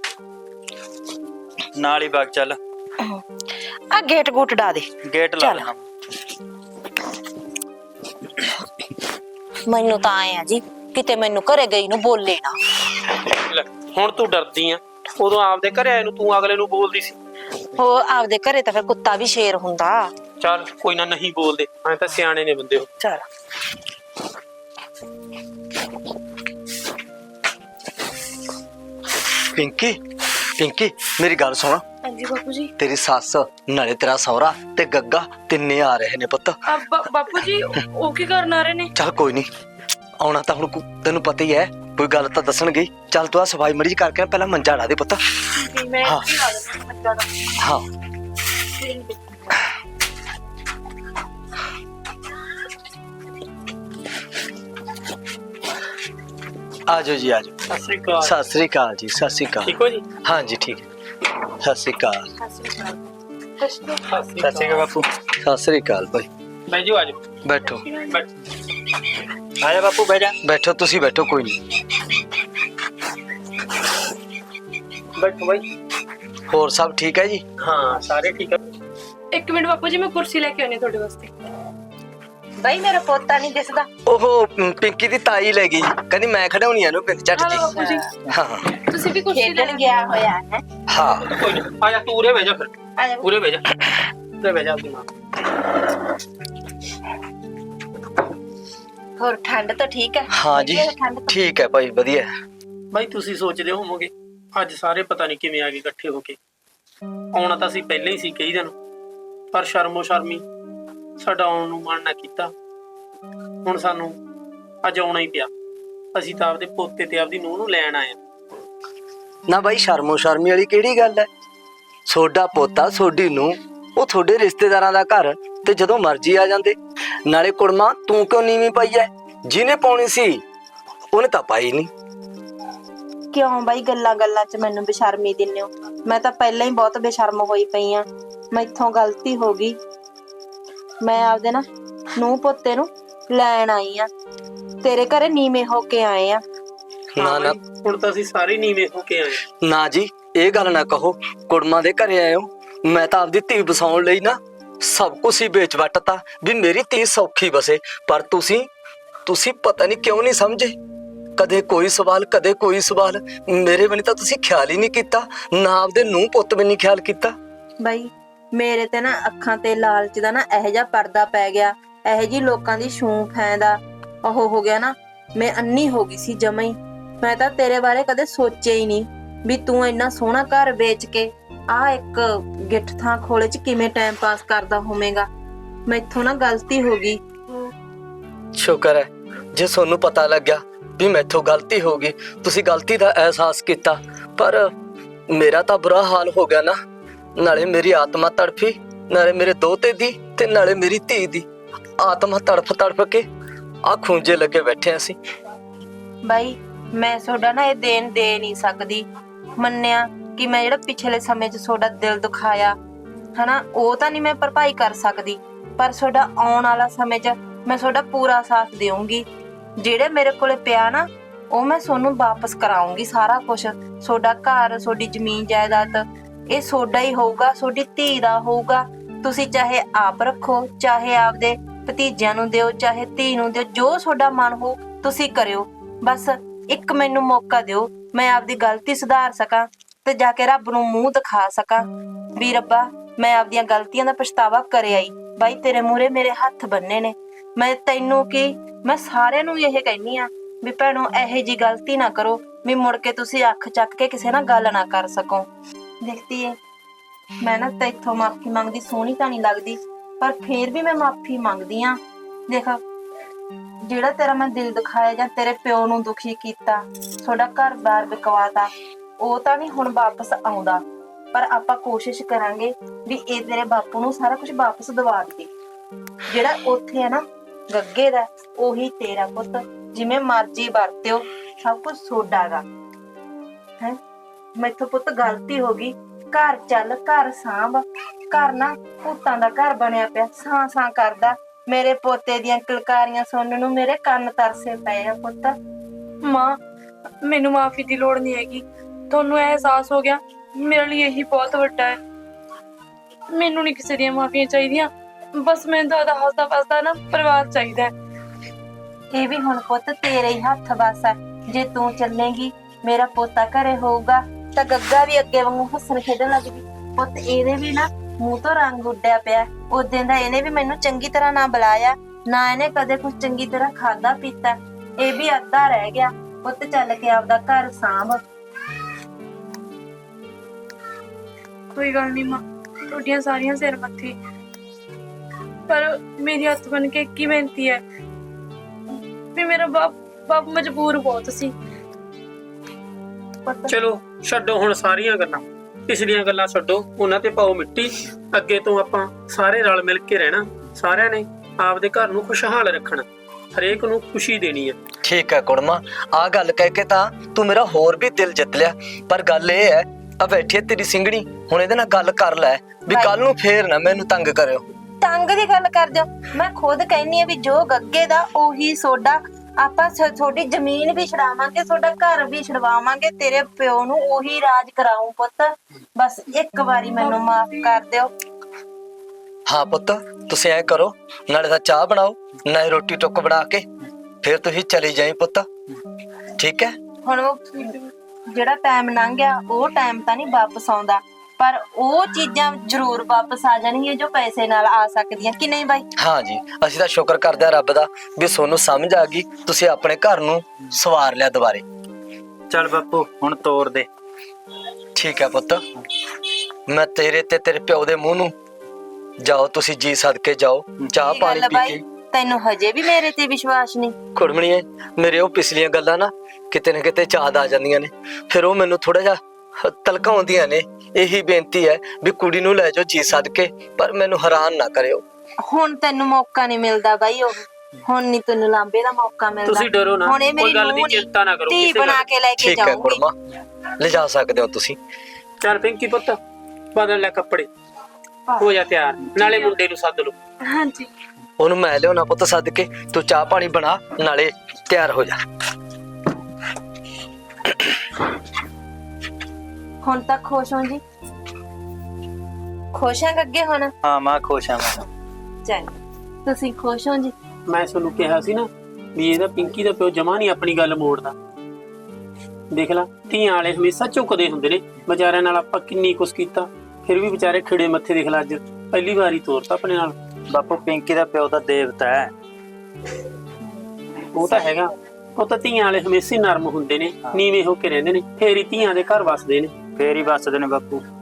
Speaker 5: ਨਾਲ ਹੀ ਬਾਗ ਚੱਲ।
Speaker 2: ਆ ਗੇਟ ਗੂਟ ਡਾ ਦੇ,
Speaker 5: ਗੇਟ ਲਾ ਲੈਣਾ।
Speaker 2: ਮੈਨੂੰ ਤਾਂ ਆਏ ਆ ਜੀ ਕਿਤੇ ਮੈਨੂੰ ਘਰੇ ਗਈ ਨੂੰ ਬੋਲੇ ਨਾ।
Speaker 4: ਲੈ, ਹੁਣ ਤੂੰ ਡਰਦੀ ਆ, ਉਦੋਂ ਆਪਦੇ ਘਰੇ ਆਏ ਨੂੰ ਤੂੰ ਅਗਲੇ ਨੂੰ ਬੋਲਦੀ ਸੀ।
Speaker 2: ਉਹ ਆਪਦੇ ਘਰੇ ਤਾਂ ਫਿਰ ਕੁੱਤਾ ਵੀ ਸ਼ੇਰ ਹੁੰਦਾ।
Speaker 4: ਚੱਲ ਕੋਈ ਨਾ, ਨਹੀਂ ਬੋਲਦੇ, ਐ ਤਾਂ ਸਿਆਣੇ ਨੇ ਬੰਦੇ ਉਹ।
Speaker 2: ਚਲ
Speaker 3: ਪਿੰਕੀ, ਪਿੰਕੀ ਮੇਰੀ ਗੱਲ ਸੁਣ।
Speaker 1: ਹਾਂਜੀ ਬਾਪੂ ਜੀ।
Speaker 3: ਤੇਰੀ ਸੱਸ ਨਾਲੇ ਤੇਰਾ ਸਹੁਰਾ ਤੇ ਗੱਗਾ ਤਿੰਨੇ ਆ ਰਹੇ ਨੇ ਪੁੱਤ।
Speaker 1: ਆ ਬਾਪੂ ਜੀ, ਉਹ ਕੀ ਕਰਨ ਆ ਰਹੇ ਨੇ?
Speaker 3: ਚੱਲ ਕੋਈ ਨਹੀਂ, ਆਉਣਾ ਤਾਂ ਹੁਣ ਕੋ- ਤੈਨੂੰ ਪਤਾ ਹੀ ਹੈ, ਕੋਈ ਗੱਲ ਤਾਂ ਦੱਸਣਗੇ। ਚੱਲ ਤੂੰ ਆ ਸਫਾਈ ਮਰੀਜ਼ ਕਰਕੇ ਪਹਿਲਾਂ ਮੰਜਾ ਢਾ ਦੇ ਪੁੱਤ।
Speaker 1: ਜੀ ਮੈਂ
Speaker 3: ਹਾਂ।
Speaker 1: ਕੀ ਹਾਲ ਹੈ ਬੱਚਾ ਦਾ?
Speaker 3: ਹਾਂ ਆ ਜਾਓ ਜੀ, ਆ ਜਾਓ।
Speaker 4: ਸਤਿ ਸ੍ਰੀ ਅਕਾਲ।
Speaker 3: ਸਤਿ ਸ੍ਰੀ ਅਕਾਲ ਜੀ, ਸਤਿ ਸ੍ਰੀ ਅਕਾਲ।
Speaker 4: ਠੀਕ ਹੋ ਜੀ?
Speaker 3: ਹਾਂ ਜੀ ਠੀਕ ਹੈ। ਸਤਿ ਸ੍ਰੀ ਅਕਾਲ।
Speaker 1: ਸਤਿ ਸ਼੍ਰੀ ਅਕਾਲ।
Speaker 5: ਸਤਿ ਸ਼੍ਰੀ ਅਕਾਲ ਬਾਪੂ।
Speaker 3: ਸਤਿ ਸ੍ਰੀ ਅਕਾਲ ਭਾਈ।
Speaker 4: ਬਹਿ ਜਾਓ, ਆ ਜਾਓ,
Speaker 3: ਬੈਠੋ
Speaker 4: ਬੈਠ।
Speaker 5: ਆ ਜਾ ਬਾਪੂ ਬਹਿ ਜਾ।
Speaker 3: ਬੈਠੋ ਤੁਸੀਂ ਬੈਠੋ, ਕੋਈ ਨਹੀਂ।
Speaker 4: ਬੈਠੋ ਬਾਈ।
Speaker 3: ਹੋਰ ਸਭ ਠੀਕ ਹੈ ਜੀ?
Speaker 4: ਹਾਂ ਸਾਰੇ ਠੀਕ ਆ।
Speaker 1: ਇੱਕ ਮਿੰਟ ਬਾਪੂ ਜੀ, ਮੈਂ ਕੁਰਸੀ ਲੈ ਕੇ ਆਉਣੀ ਤੁਹਾਡੇ ਵਾਸਤੇ।
Speaker 2: ਬਈ ਮੇਰਾ ਪੋਤਾ ਨਹੀਂ ਦਿਸਦਾ।
Speaker 3: ਉਹ ਮ, ਪਿੰਕੀ ਦੀ ਤਾਈ ਲੈ ਗਈ ਜੀ, ਕਹਿੰਦੀ ਮੈਂ ਖੜਾਉਣੀ ਆ ਇਹਨੂੰ ਪਿੰਡ ਝੱਟ
Speaker 1: ਹਲੋ
Speaker 3: ਜੀ।
Speaker 1: ਬਾਪੂ ਜੀ,
Speaker 3: ਹਾਂ
Speaker 1: ਤੁਸੀਂ ਵੀ ਕੁਰਸੀ ਲੈ
Speaker 2: ਖੇਡਣ ਗਿਆ ਹੋਇਆ ਹੈ।
Speaker 3: ਹਾਂ
Speaker 4: ਕੋਈ ਨਾ, ਆ ਜਾ ਤੂੰ ਉਰੇ ਬਹਿ ਜਾ ਫਿਰ।
Speaker 2: ਆ ਜਾ
Speaker 4: ਉਰੇ ਬਹਿ ਜਾ, ਉਰੇ ਬਹਿ ਜਾ ਆਪਣੀ ਮਾਂ।
Speaker 2: ਹੋਰ ਠੰਡ ਤਾਂ ਠੀਕ ਹੈ?
Speaker 3: ਹਾਂ ਜੀ,
Speaker 2: ਵਧੀਆ ਠੰਡ ਤਾਂ?
Speaker 3: ਠੀਕ ਹੈ ਭਾਈ, ਵਧੀਆ।
Speaker 4: ਬਾਈ ਤੁਸੀਂ ਸੋਚਦੇ ਹੋਵੋਗੇ ਅੱਜ ਸਾਰੇ ਪਤਾ ਨਹੀਂ ਕਿਵੇਂ ਆ ਗਏ ਇਕੱਠੇ ਹੋ ਕੇ। ਆਉਣਾ ਤਾਂ ਅਸੀਂ ਪਹਿਲਾਂ ਹੀ ਸੀ ਕਈ ਦਿਨ, ਪਰ ਸ਼ਰਮੋ ਸ਼ਰਮੀ ਸਾਡਾ ਆਉਣ ਨੂੰ ਮਨ ਨਾ ਕੀਤਾ। ਹੁਣ ਸਾਨੂੰ ਅੱਜ ਆਉਣਾ ਹੀ ਪਿਆ। ਅਸੀਂ ਤਾਂ ਆਪਦੇ ਪੋਤੇ ਤੇ ਆਪਦੀ ਨੂੰਹ ਨੂੰ ਲੈਣ ਆਏ ਆ।
Speaker 3: ਨਾ ਬਾਈ, ਸ਼ਰਮੋ ਸ਼ਰਮੀ ਵਾਲੀ ਕਿਹੜੀ ਗੱਲ ਹੈ? ਸੋਡਾ ਪੋਤਾ ਸੋਡੀ ਨੂੰ, ਉਹ ਤੁਹਾਡੇ ਰਿਸ਼ਤੇਦਾਰਾਂ ਦਾ ਘਰ, ਤੇ ਜਦੋਂ ਮਰਜ਼ੀ ਆ ਜਾਂਦੇ। ਨਾਲੇ ਕੁੜਮਾ ਤੂੰ ਕਿਉਂ ਨੀਵੀਂ ਪਾਈ ਐ? ਜਿਹਨੇ ਪਾਉਣੀ ਸੀ ਉਹਨੇ ਤਾਂ ਪਾਈ ਨਹੀਂ।
Speaker 2: ਕਿਉਂ ਬਾਈ ਗੱਲਾਂ ਗੱਲਾਂ 'ਚ ਮੈਨੂੰ ਬੇਸ਼ਰਮੀ ਦਿੰਦੇ ਹੋ? ਮੈਂ ਤਾਂ ਪਹਿਲਾਂ ਹੀ ਬਹੁਤ ਬੇਸ਼ਰਮ ਹੋਈ ਪਈ ਆ। ਮੈਥੋਂ ਗਲਤੀ ਹੋ ਗਈ। ਮੈਂ ਆਪਦੇ ਨਾ ਨੂੰਹ ਪੋਤੇ ਨੂੰ ਲੈਣ ਆਈ ਆ, ਤੇਰੇ ਘਰੇ ਨੀਵੇਂ ਹੋ ਕੇ ਆਏ ਆ।
Speaker 3: ਨਾ
Speaker 4: ਹਾਂ
Speaker 3: ਨਾ
Speaker 4: ਬਾਈ, ਹੁਣ ਤਾਂ ਅਸੀਂ ਸਾਰੇ ਨੀਵੇਂ ਹੋ ਕੇ ਆਏ ਆ।
Speaker 3: ਨਾ ਜੀ, ਇਹ ਗੱਲ ਨਾ ਕਹੋ। ਕੁੜਮਾ ਦੇ ਘਰੇ ਆਏ ਹੋ, ਮੈਂ ਤਾਂ ਆਪਦੀ ਧੀ ਬਸਾਉਣ ਲਈ ਨਾ ਸਭ ਕੁਝ ਹੀ ਵੇਚ ਵੱਟਤਾ ਵੀ ਮੇਰੀ ਧੀ ਸੌਖੀ ਬਸੇ। ਪਰ ਤੁਸੀਂ ਤੁਸੀਂ ਪਤਾ ਨਹੀਂ ਕਿਉਂ ਨਹੀਂ ਸਮਝੇ। ਕਦੇ ਕੋਈ ਸਵਾਲ, ਕਦੇ ਕੋਈ ਸਵਾਲ। ਮੇਰੇ ਬਣੀ ਤਾਂ ਤੁਸੀਂ ਖਿਆਲ ਹੀ ਨਹੀਂ ਕੀਤਾ, ਨਾ ਆਪਦੇ ਨੂੰਹ ਪੁੱਤ ਵੀ ਨਹੀਂ ਖਿਆਲ ਕੀਤਾ।
Speaker 2: ਬਾਈ ਮੇਰੇ ਤੇ ਨਾ ਅੱਖਾਂ ਤੇ ਲਾਲਚ ਦਾ ਨਾ ਇਹੋ ਜਿਹਾ ਪਰਦਾ ਪੈ ਗਿਆ, ਇਹੋ ਜਿਹੀ ਲੋਕਾਂ ਦੀ ਛੂੰ ਫੈਂਦਾ ਉਹ ਹੋ ਗਿਆ ਨਾ। ਮੈਂ ਅੰਨੀ ਹੋ ਗਈ ਸੀ ਜਮਾਂ ਹੀ। ਮੈਂ ਤਾਂ ਤੇਰੇ ਬਾਰੇ ਕਦੇ ਸੋਚਿਆ ਹੀ ਨਹੀਂ ਵੀ ਤੂੰ ਇੰਨਾ ਸੋਹਣਾ ਘਰ ਵੇਚ ਕੇ ਆ ਇੱਕ ਗਿੱਠ ਥਾਂ ਖੋਲੇ 'ਚ ਕਿਵੇਂ ਟਾਈਮ ਪਾਸ ਕਰਦਾ ਹੋਵੇਂਗਾ। ਮੈਥੋਂ ਨਾ ਗਲਤੀ ਹੋ ਗਈ।
Speaker 3: ਸ਼ੁਕਰ ਹੈ ਜੇ ਤੁਹਾਨੂੰ ਪਤਾ ਲੱਗਿਆ ਵੀ ਮੈਥੋਂ ਗਲਤੀ ਹੋ ਗਈ, ਤੁਸੀਂ ਗਲਤੀ ਦਾ ਅਹਿਸਾਸ ਕੀਤਾ। ਪਰ ਮੇਰਾ ਤਾਂ ਬੁਰਾ ਹਾਲ ਹੋ ਗਿਆ ਨਾ। ਨਾਲੇ ਮੇਰੀ ਆਤਮਾ ਤੜਫੀ, ਨਾਲੇ ਮੇਰੇ ਦੋਤੇ ਦੀ, ਤੇ ਨਾਲੇ ਮੇਰੀ ਧੀ ਦੀ ਆਤਮਾ ਤੜਫ ਤੜਫ ਕੇ ਆ ਖੂੰਜੇ ਲੱਗੇ ਬੈਠੇ ਅਸੀਂ।
Speaker 2: ਬਾਈ ਮੈਂ ਤੁਹਾਡਾ ਨਾ ਇਹ ਦੇਣ ਦੇ ਨਹੀਂ ਸਕਦੀ। ਮੰਨਿਆ ਕਿ ਮੈਂ ਜਿਹੜਾ ਪਿਛਲੇ ਸਮੇਂ 'ਚ ਤੁਹਾਡਾ ਦਿਲ ਦੁਖਾਇਆ ਹਨਾ, ਉਹ ਤਾਂ ਨਹੀਂ ਮੈਂ ਭਰਪਾਈ ਕਰ ਸਕਦੀ, ਪਰ ਤੁਹਾਡਾ ਆਉਣ ਵਾਲਾ ਸਮੇਂ 'ਚ ਮੈਂ ਤੁਹਾਡਾ ਪੂਰਾ ਸਾਥ ਦੇਵਾਂਗੀ। ਜਿਹੜੇ ਮੇਰੇ ਕੋਲੇ ਪਿਆ ਨਾ ਉਹ ਮੈਂ ਤੁਹਾਨੂੰ ਵਾਪਸ ਕਰਾਉਂਗੀ। ਸਾਰਾ ਕੁਝ ਤੁਹਾਡਾ ਘਰ, ਤੁਹਾਡੀ ਜ਼ਮੀਨ ਜਾਇਦਾਦ ਇਹ ਤੁਹਾਡਾ ਹੀ ਹੋਊਗਾ, ਤੁਹਾਡੀ ਧੀ ਦਾ ਹੋਊਗਾ। ਤੁਸੀਂ ਚਾਹੇ ਆਪ ਰੱਖੋ, ਚਾਹੇ ਆਪਦੇ ਭਤੀਜਿਆਂ ਨੂੰ ਦਿਓ, ਚਾਹੇ ਧੀ ਨੂੰ ਦਿਓ, ਜੋ ਤੁਹਾਡਾ ਮਨ ਹੋ ਤੁਸੀਂ ਕਰਿਓ। ਬਸ ਇੱਕ ਮੈਨੂੰ ਮੌਕਾ ਦਿਓ, ਮੈਂ ਆਪਦੀ ਗਲਤੀ ਸੁਧਾਰ ਸਕਾਂ ਤੇ ਜਾ ਕੇ ਰੱਬ ਨੂੰ ਮੂੰਹ ਦਿਖਾ ਸਕਾਂ ਵੀ ਰੱਬਾ ਮੈਂ ਆਪਦੀਆਂ ਗਲਤੀਆਂ ਦਾ ਪਛਤਾਵਾ ਕਰਿਆ ਹੀ। ਬਾਈ ਤੇਰੇ ਮੂਹਰੇ ਮੇਰੇ ਹੱਥ ਬੰਨੇ ਨੇ। ਮੈਂ ਤੈਨੂੰ ਕੀ, ਮੈਂ ਸਾਰਿਆਂ ਨੂੰ ਇਹ ਕਹਿੰਨੀ ਆ ਵੀ ਭੈਣੋ ਇਹੋ ਜੀ ਗਲਤੀ ਨਾ ਕਰੋ ਵੀ ਮੁੜ ਕੇ ਤੁਸੀਂ ਅੱਖ ਚੱਕ ਕੇ ਕਿਸੇ ਨਾਲ ਗੱਲ ਨਾ ਕਰ ਸਕੋ। ਦੇਖਦੀ ਏ ਮੈਂ ਨਾ ਤੈਥੋਂ ਮਾਫੀ ਮੰਗਦੀ ਸੋਹਣੀ ਤਾਂ ਨਹੀਂ ਲੱਗਦੀ, ਪਰ ਫੇਰ ਵੀ ਮੈਂ ਮਾਫੀ ਮੰਗਦੀ ਆ। ਦੇਖ ਜਿਹੜਾ ਤੇਰਾ ਮੈਂ ਦਿਲ ਦਿਖਾਇਆ ਜਾਂ ਤੇਰੇ ਪਿਓ ਨੂੰ ਦੁਖੀ ਕੀਤਾ, ਤੁਹਾਡਾ ਘਰ-ਬਾਰ ਵਿਕਵਾਤਾ, ਉਹ ਤਾਂ ਨਹੀਂ ਹੁਣ ਵਾਪਸ ਆਉਂਦਾ। ਪਰ ਆਪਾਂ ਕੋਸ਼ਿਸ਼ ਕਰਾਂਗੇ ਵੀ ਇਹ ਤੇਰੇ ਬਾਪੂ ਨੂੰ ਸਾਰਾ ਕੁਝ ਵਾਪਸ ਦਵਾ ਦੇ। ਜਿਹੜਾ ਉੱਥੇ ਹੈ ਨਾ ਗੱਗੇ ਦਾ, ਉਹੀ ਤੇਰਾ ਪੁੱਤ। ਜਿਵੇਂ ਮਰਜ਼ੀ ਵਰਤਿਓ, ਸਭ ਕੁਝ ਤੁਹਾਡਾ ਗਾ ਹੈ। ਮੈਥੋਂ ਪੁੱਤ ਗਲਤੀ ਹੋ ਗਈ। ਘਰ ਚੱਲ, ਘਰ ਸਾਂਭ। ਘਰ ਨਾ ਭੂਤਾਂ ਦਾ ਘਰ ਬਣਿਆ ਪਿਆ, ਸਾਂ ਸਾਂ ਕਰਦਾ। ਮੇਰੇ ਪੋਤੇ ਦੀਆਂ ਕਿਲਕਾਰੀਆਂ ਸੁਣਨ ਨੂੰ ਮੇਰੇ ਕੰਨ ਤਰਸੇ ਪਏ ਆ ਪੁੱਤ।
Speaker 1: ਮਾਂ ਮੈਨੂੰ ਮਾਫੀ ਦੀ ਲੋੜ ਨਹੀਂ ਹੈਗੀ। ਤੁਹਾਨੂੰ ਅਹਿਸਾਸ ਹੋ ਗਿਆ, ਮੇਰੇ ਲਈ ਇਹੀ ਬਹੁਤ ਵੱਡਾ ਹੈ। ਮੈਨੂੰ ਨਹੀਂ ਕਿਸੇ ਦੀਆਂ ਮਾਫੀਆਂ ਚਾਹੀਦੀਆਂ, ਬਸ ਮੈਨੂੰ ਤਾਂ ਹੱਸਦਾ ਵਸਦਾ ਨਾ ਪਰਿਵਾਰ ਚਾਹੀਦਾ ਹੈ।
Speaker 2: ਇਹ ਵੀ ਹੁਣ ਪੁੱਤ ਤੇਰੇ ਹੀ ਹੱਥ ਵੱਸ ਆ। ਜੇ ਤੂੰ ਚੱਲੇਂਗੀ, ਮੇਰਾ ਪੋਤਾ ਘਰੇ ਹੋਊਗਾ ਤਾਂ ਗੱਗਾ ਵੀ ਅੱਗੇ ਵਾਂਗੂ ਹੱਸਣ ਖੇਡਣ ਲੱਗ ਪਈ। ਪੁੱਤ ਇਹਦੇ ਵੀ ਨਾ ਮੂੰਹ ਤੋਂ ਰੰਗ ਉੱਡਿਆ ਪਿਆ। ਉਦੋਂ ਦਾ ਇਹਨੇ ਵੀ ਮੈਨੂੰ ਚੰਗੀ ਤਰ੍ਹਾਂ ਨਾ ਬੁਲਾਇਆ, ਨਾ ਇਹਨੇ ਕਦੇ ਕੁਝ ਚੰਗੀ ਤਰ੍ਹਾਂ ਖਾਦਾ ਪੀਤਾ। ਇਹ ਵੀ ਅੱਧਾ ਰਹਿ ਗਿਆ। ਪੁੱਤ ਚੱਲ ਕੇ ਆਪਦਾ ਘਰ ਸਾਂਭ।
Speaker 1: ਕੋਈ ਗੱਲ ਨਹੀਂ ਮਾਂ, ਤੁਹਾਡੀਆਂ ਸਾਰੀਆਂ ਸਿਰ ਮੱਥੇ, ਪਰ ਮੇਰੀ ਹੱਥ ਬਣ ਕੇ ਕੀ ਬੇਨਤੀ ਹੈ ਵੀ ਮੇਰਾ ਬਾਪ ਬਾਪ ਮਜਬੂਰ ਬਹੁਤ ਸੀ।
Speaker 4: ਚਲੋ ਛੱਡੋ ਹੁਣ ਸਾਰੀਆਂ ਗੱਲਾਂ, ਪਿਛਲੀਆਂ ਗੱਲਾਂ ਛੱਡੋ, ਉਹਨਾਂ ਤੇ ਪਾਓ ਮਿੱਟੀ। ਅੱਗੇ ਤੋਂ ਆਪਾਂ ਸਾਰੇ ਰਲ ਮਿਲ ਕੇ ਰਹਿਣਾ। ਸਾਰਿਆਂ ਨੇ ਆਪਦੇ ਘਰ ਨੂੰ ਖੁਸ਼ਹਾਲ ਰੱਖਣਾ, ਹਰੇਕ ਨੂੰ ਖੁਸ਼ੀ ਦੇਣੀ ਹੈ।
Speaker 3: ਠੀਕ ਹੈ ਕੁੜਮਾ, ਆ ਗੱਲ ਕਹਿ ਕੇ ਤਾਂ ਤੂੰ ਮੇਰਾ ਹੋਰ ਵੀ ਦਿਲ ਜਿੱਤ ਲਿਆ। ਪਰ ਗੱਲ ਇਹ ਹੈ, ਆ ਬੈਠੀ ਤੇਰੀ ਸਿੰਘਣੀ, ਹੁਣ ਇਹਦੇ ਨਾਲ ਗੱਲ ਕਰ ਲੈ ਵੀ ਕੱਲ ਨੂੰ ਫੇਰ ਨਾ ਮੈਨੂੰ ਤੰਗ ਕਰਿਓ।
Speaker 2: ਟੰਗ ਦੀ ਗੱਲ ਕਰਦੇ ਹੋ? ਮੈਂ ਖੁਦ ਕਹਿੰਨੀ ਆ ਵੀ ਜੋ ਗੱਗੇ ਦਾ ਉਹੀ ਸੋਡਾ। ਆਪਾਂ ਸ- ਤੁਹਾਡੀ ਜ਼ਮੀਨ ਵੀ ਛਡਾਵਾਂਗੇ, ਤੁਹਾਡਾ ਘਰ ਵੀ ਛਡਵਾਵਾਂਗੇ, ਤੇਰੇ ਪਿਓ ਨੂੰ ਉਹੀ ਰਾਜ ਕਰਾਉਂ ਪੁੱਤ। ਬਸ ਇੱਕ ਵਾਰੀ ਮੈਨੂੰ ਮਾਫ ਕਰ ਦਿਓ।
Speaker 3: ਹਾਂ ਪੁੱਤ, ਤੁਸੀਂ ਐ ਕਰੋ, ਨਾਲੇ ਤਾਂ ਚਾਹ ਬਣਾਓ, ਨਾਲੇ ਰੋਟੀ ਟੁੱਕ ਬਣਾ ਕੇ ਫਿਰ ਤੁਸੀਂ ਚਲੀ ਜਾਈ ਪੁੱਤ, ਠੀਕ ਹੈ?
Speaker 2: ਹੁਣ ਉਹ ਜਿਹੜਾ ਟਾਈਮ ਲੰਘ ਗਿਆ ਉਹ ਟਾਈਮ ਤਾਂ ਨਹੀਂ ਵਾਪਸ ਆਉਂਦਾ, ਪਰ ਉਹ ਚੀਜ਼ਾਂ ਜ਼ਰੂਰ ਵਾਪਸ ਆ ਜਾਣਗੀਆਂ ਜੋ ਪੈਸੇ ਨਾਲ ਆ ਸਕਦੀਆਂ, ਕਿ ਨਹੀਂ ਬਾਈ?
Speaker 3: ਹਾਂ ਜੀ, ਅਸੀਂ ਤਾਂ ਸ਼ੁਕਰ ਕਰਦੇ ਆ ਰੱਬ ਦਾ ਵੀ ਤੁਹਾਨੂੰ ਸਮਝ ਆ ਗਈ, ਤੁਸੀਂ ਆਪਣੇ ਘਰ ਨੂੰ ਸਵਾਰ ਲਿਆ ਦੁਬਾਰੇ।
Speaker 5: ਚੱਲ ਬਾਪੂ ਹੁਣ ਤੋਰ ਦੇ।
Speaker 3: ਠੀਕ ਹੈ ਪੁੱਤ, ਮੈਂ ਤੇਰੇ ਤੇ ਤੇਰੇ ਪਿਓ ਦੇ ਮੂੰਹ ਨੂੰ ਜਾਓ, ਤੁਸੀਂ ਜੀ ਸਦਕੇ ਜਾਓ, ਚਾਹ
Speaker 2: ਕੀ
Speaker 3: ਪਾਣੀ
Speaker 2: ਗੱਲ
Speaker 3: ਪੀ
Speaker 2: ਬਾਈ,
Speaker 3: ਕੇ।
Speaker 2: ਤੈਨੂੰ ਹਜੇ ਵੀ ਮੇਰੇ ਤੇ ਵਿਸ਼ਵਾਸ ਨਹੀਂ?
Speaker 3: ਕੁੜਮਣੀਏ, ਮੇਰੇ ਉਹ ਪਿਛਲੀਆਂ ਗੱਲਾਂ ਨਾ ਕਿਤੇ ਨਾ ਕਿਤੇ ਯਾਦ ਆ ਜਾਂਦੀਆਂ ਨੇ, ਫਿਰ ਉਹ ਮੈਨੂੰ ਥੋੜਾ ਜਿਹਾ ਤਲਕਾਉਂਦੀਆਂ ਨੇ। ਇਹੀ ਬੇਨਤੀ ਹੈ ਵੀ ਕੁੜੀ ਨੂੰ ਲੈ ਜਾਓ ਜੀ ਸਦਕੇ, ਪਰ ਮੈਨੂੰ ਹੈਰਾਨ ਨਾ ਕਰਿਓ।
Speaker 2: ਹੁਣ ਤੈਨੂੰ ਮੌਕਾ ਨਹੀਂ ਮਿਲਦਾ ਬਾਈ, ਉਹ ਹੁਣ ਨਹੀਂ ਤੈਨੂੰ ਲਾਂਬੇ ਦਾ ਮੌਕਾ ਮਿਲਦਾ।
Speaker 4: ਤੁਸੀਂ ਡਰੋ ਨਾ,
Speaker 2: ਹੁਣ ਇਹ
Speaker 4: ਕੋਈ
Speaker 2: ਮੇਰੀ
Speaker 4: ਗੱਲ ਦੀ
Speaker 2: ਨੂੰਹ ਨੀ,
Speaker 4: ਚਿੰਤਾ ਨਾ ਕਰੋ
Speaker 2: ਧੀ
Speaker 4: ਕਿਸੇ
Speaker 2: ਬਣਾ
Speaker 4: ਗੱਲ
Speaker 2: ਕੇ ਲੈ ਕੇ
Speaker 3: ਠੀਕ ਹੈ
Speaker 2: ਜਾਊਂਗੀ।
Speaker 3: ਕੁੜਮਾ, ਲਿਜਾ ਸਕਦੇ ਹੋ ਤੁਸੀਂ।
Speaker 4: ਚੱਲ ਪਿੰਕੀ ਪੁੱਤ, ਬਦਲ ਲੈ ਕੱਪੜੇ, ਹੋ ਜਾ ਤਿਆਰ, ਨਾਲੇ ਮੁੰਡੇ ਨੂੰ ਸੱਦ ਲਓ।
Speaker 1: ਹਾਂਜੀ।
Speaker 3: ਉਹਨੂੰ ਮੈਂ ਲਿਆਉਣਾ ਪੁੱਤ ਸਦਕੇ, ਤੂੰ ਚਾਹ ਪਾਣੀ ਬਣਾ, ਨਾਲੇ ਤਿਆਰ ਹੋ ਜਾ।
Speaker 2: ਹੁਣ ਤੱਕ ਖੁਸ਼ ਹੋ ਜੀ? ਖੁਸ਼ ਆਂ ਅੱਗੇ ਹੁਣ?
Speaker 5: ਹਾਂ ਮਾਂ ਖੁਸ਼ ਆ ਮੈਂ।
Speaker 2: ਚੱਲ ਤੁਸੀਂ ਖੁਸ਼ ਹੋ ਜੀ?
Speaker 4: ਮੈਂ ਤੁਹਾਨੂੰ ਕਿਹਾ ਸੀ ਨਾ ਵੀ ਇਹਦਾ ਪਿੰਕੀ ਦਾ ਪਿਓ ਜਮਾ ਨਹੀਂ ਆਪਣੀ ਗੱਲ ਮੋੜਦਾ। ਦੇਖ ਲਾ, ਧੀਆਂ ਵਾਲੇ ਹਮੇਸ਼ਾ ਝੁਕਦੇ ਹੁੰਦੇ ਨੇ, ਵਿਚਾਰਿਆਂ ਨਾਲ ਆਪਾਂ ਕਿੰਨੀ ਕੁਛ ਕੀਤਾ, ਫਿਰ ਵੀ ਵਿਚਾਰੇ ਖਿੜੇ ਮੱਥੇ। ਦੇਖ ਲਾ, ਅੱਜ ਪਹਿਲੀ ਵਾਰੀ ਤੋਰਤਾ ਆਪਣੇ ਨਾਲ।
Speaker 5: ਬਾਪੂ ਪਿੰਕੀ ਦਾ ਪਿਓ ਤਾਂ ਦੇਵਤਾ ਹੈ।
Speaker 4: ਉਹ ਤਾਂ ਹੈਗਾ, ਉਹ ਤਾਂ ਧੀਆਂ ਵਾਲੇ ਹਮੇਸ਼ਾ ਹੀ ਨਰਮ ਹੁੰਦੇ ਨੇ, ਨੀਵੇਂ ਹੋ ਕੇ ਰਹਿੰਦੇ ਨੇ, ਫੇਰ ਹੀ ਧੀਆਂ ਦੇ ਘਰ ਵਸਦੇ ਨੇ।
Speaker 5: ਫੇਰ ਹੀ ਵੱਸਦੇ ਨੇ ਬਾਪੂ।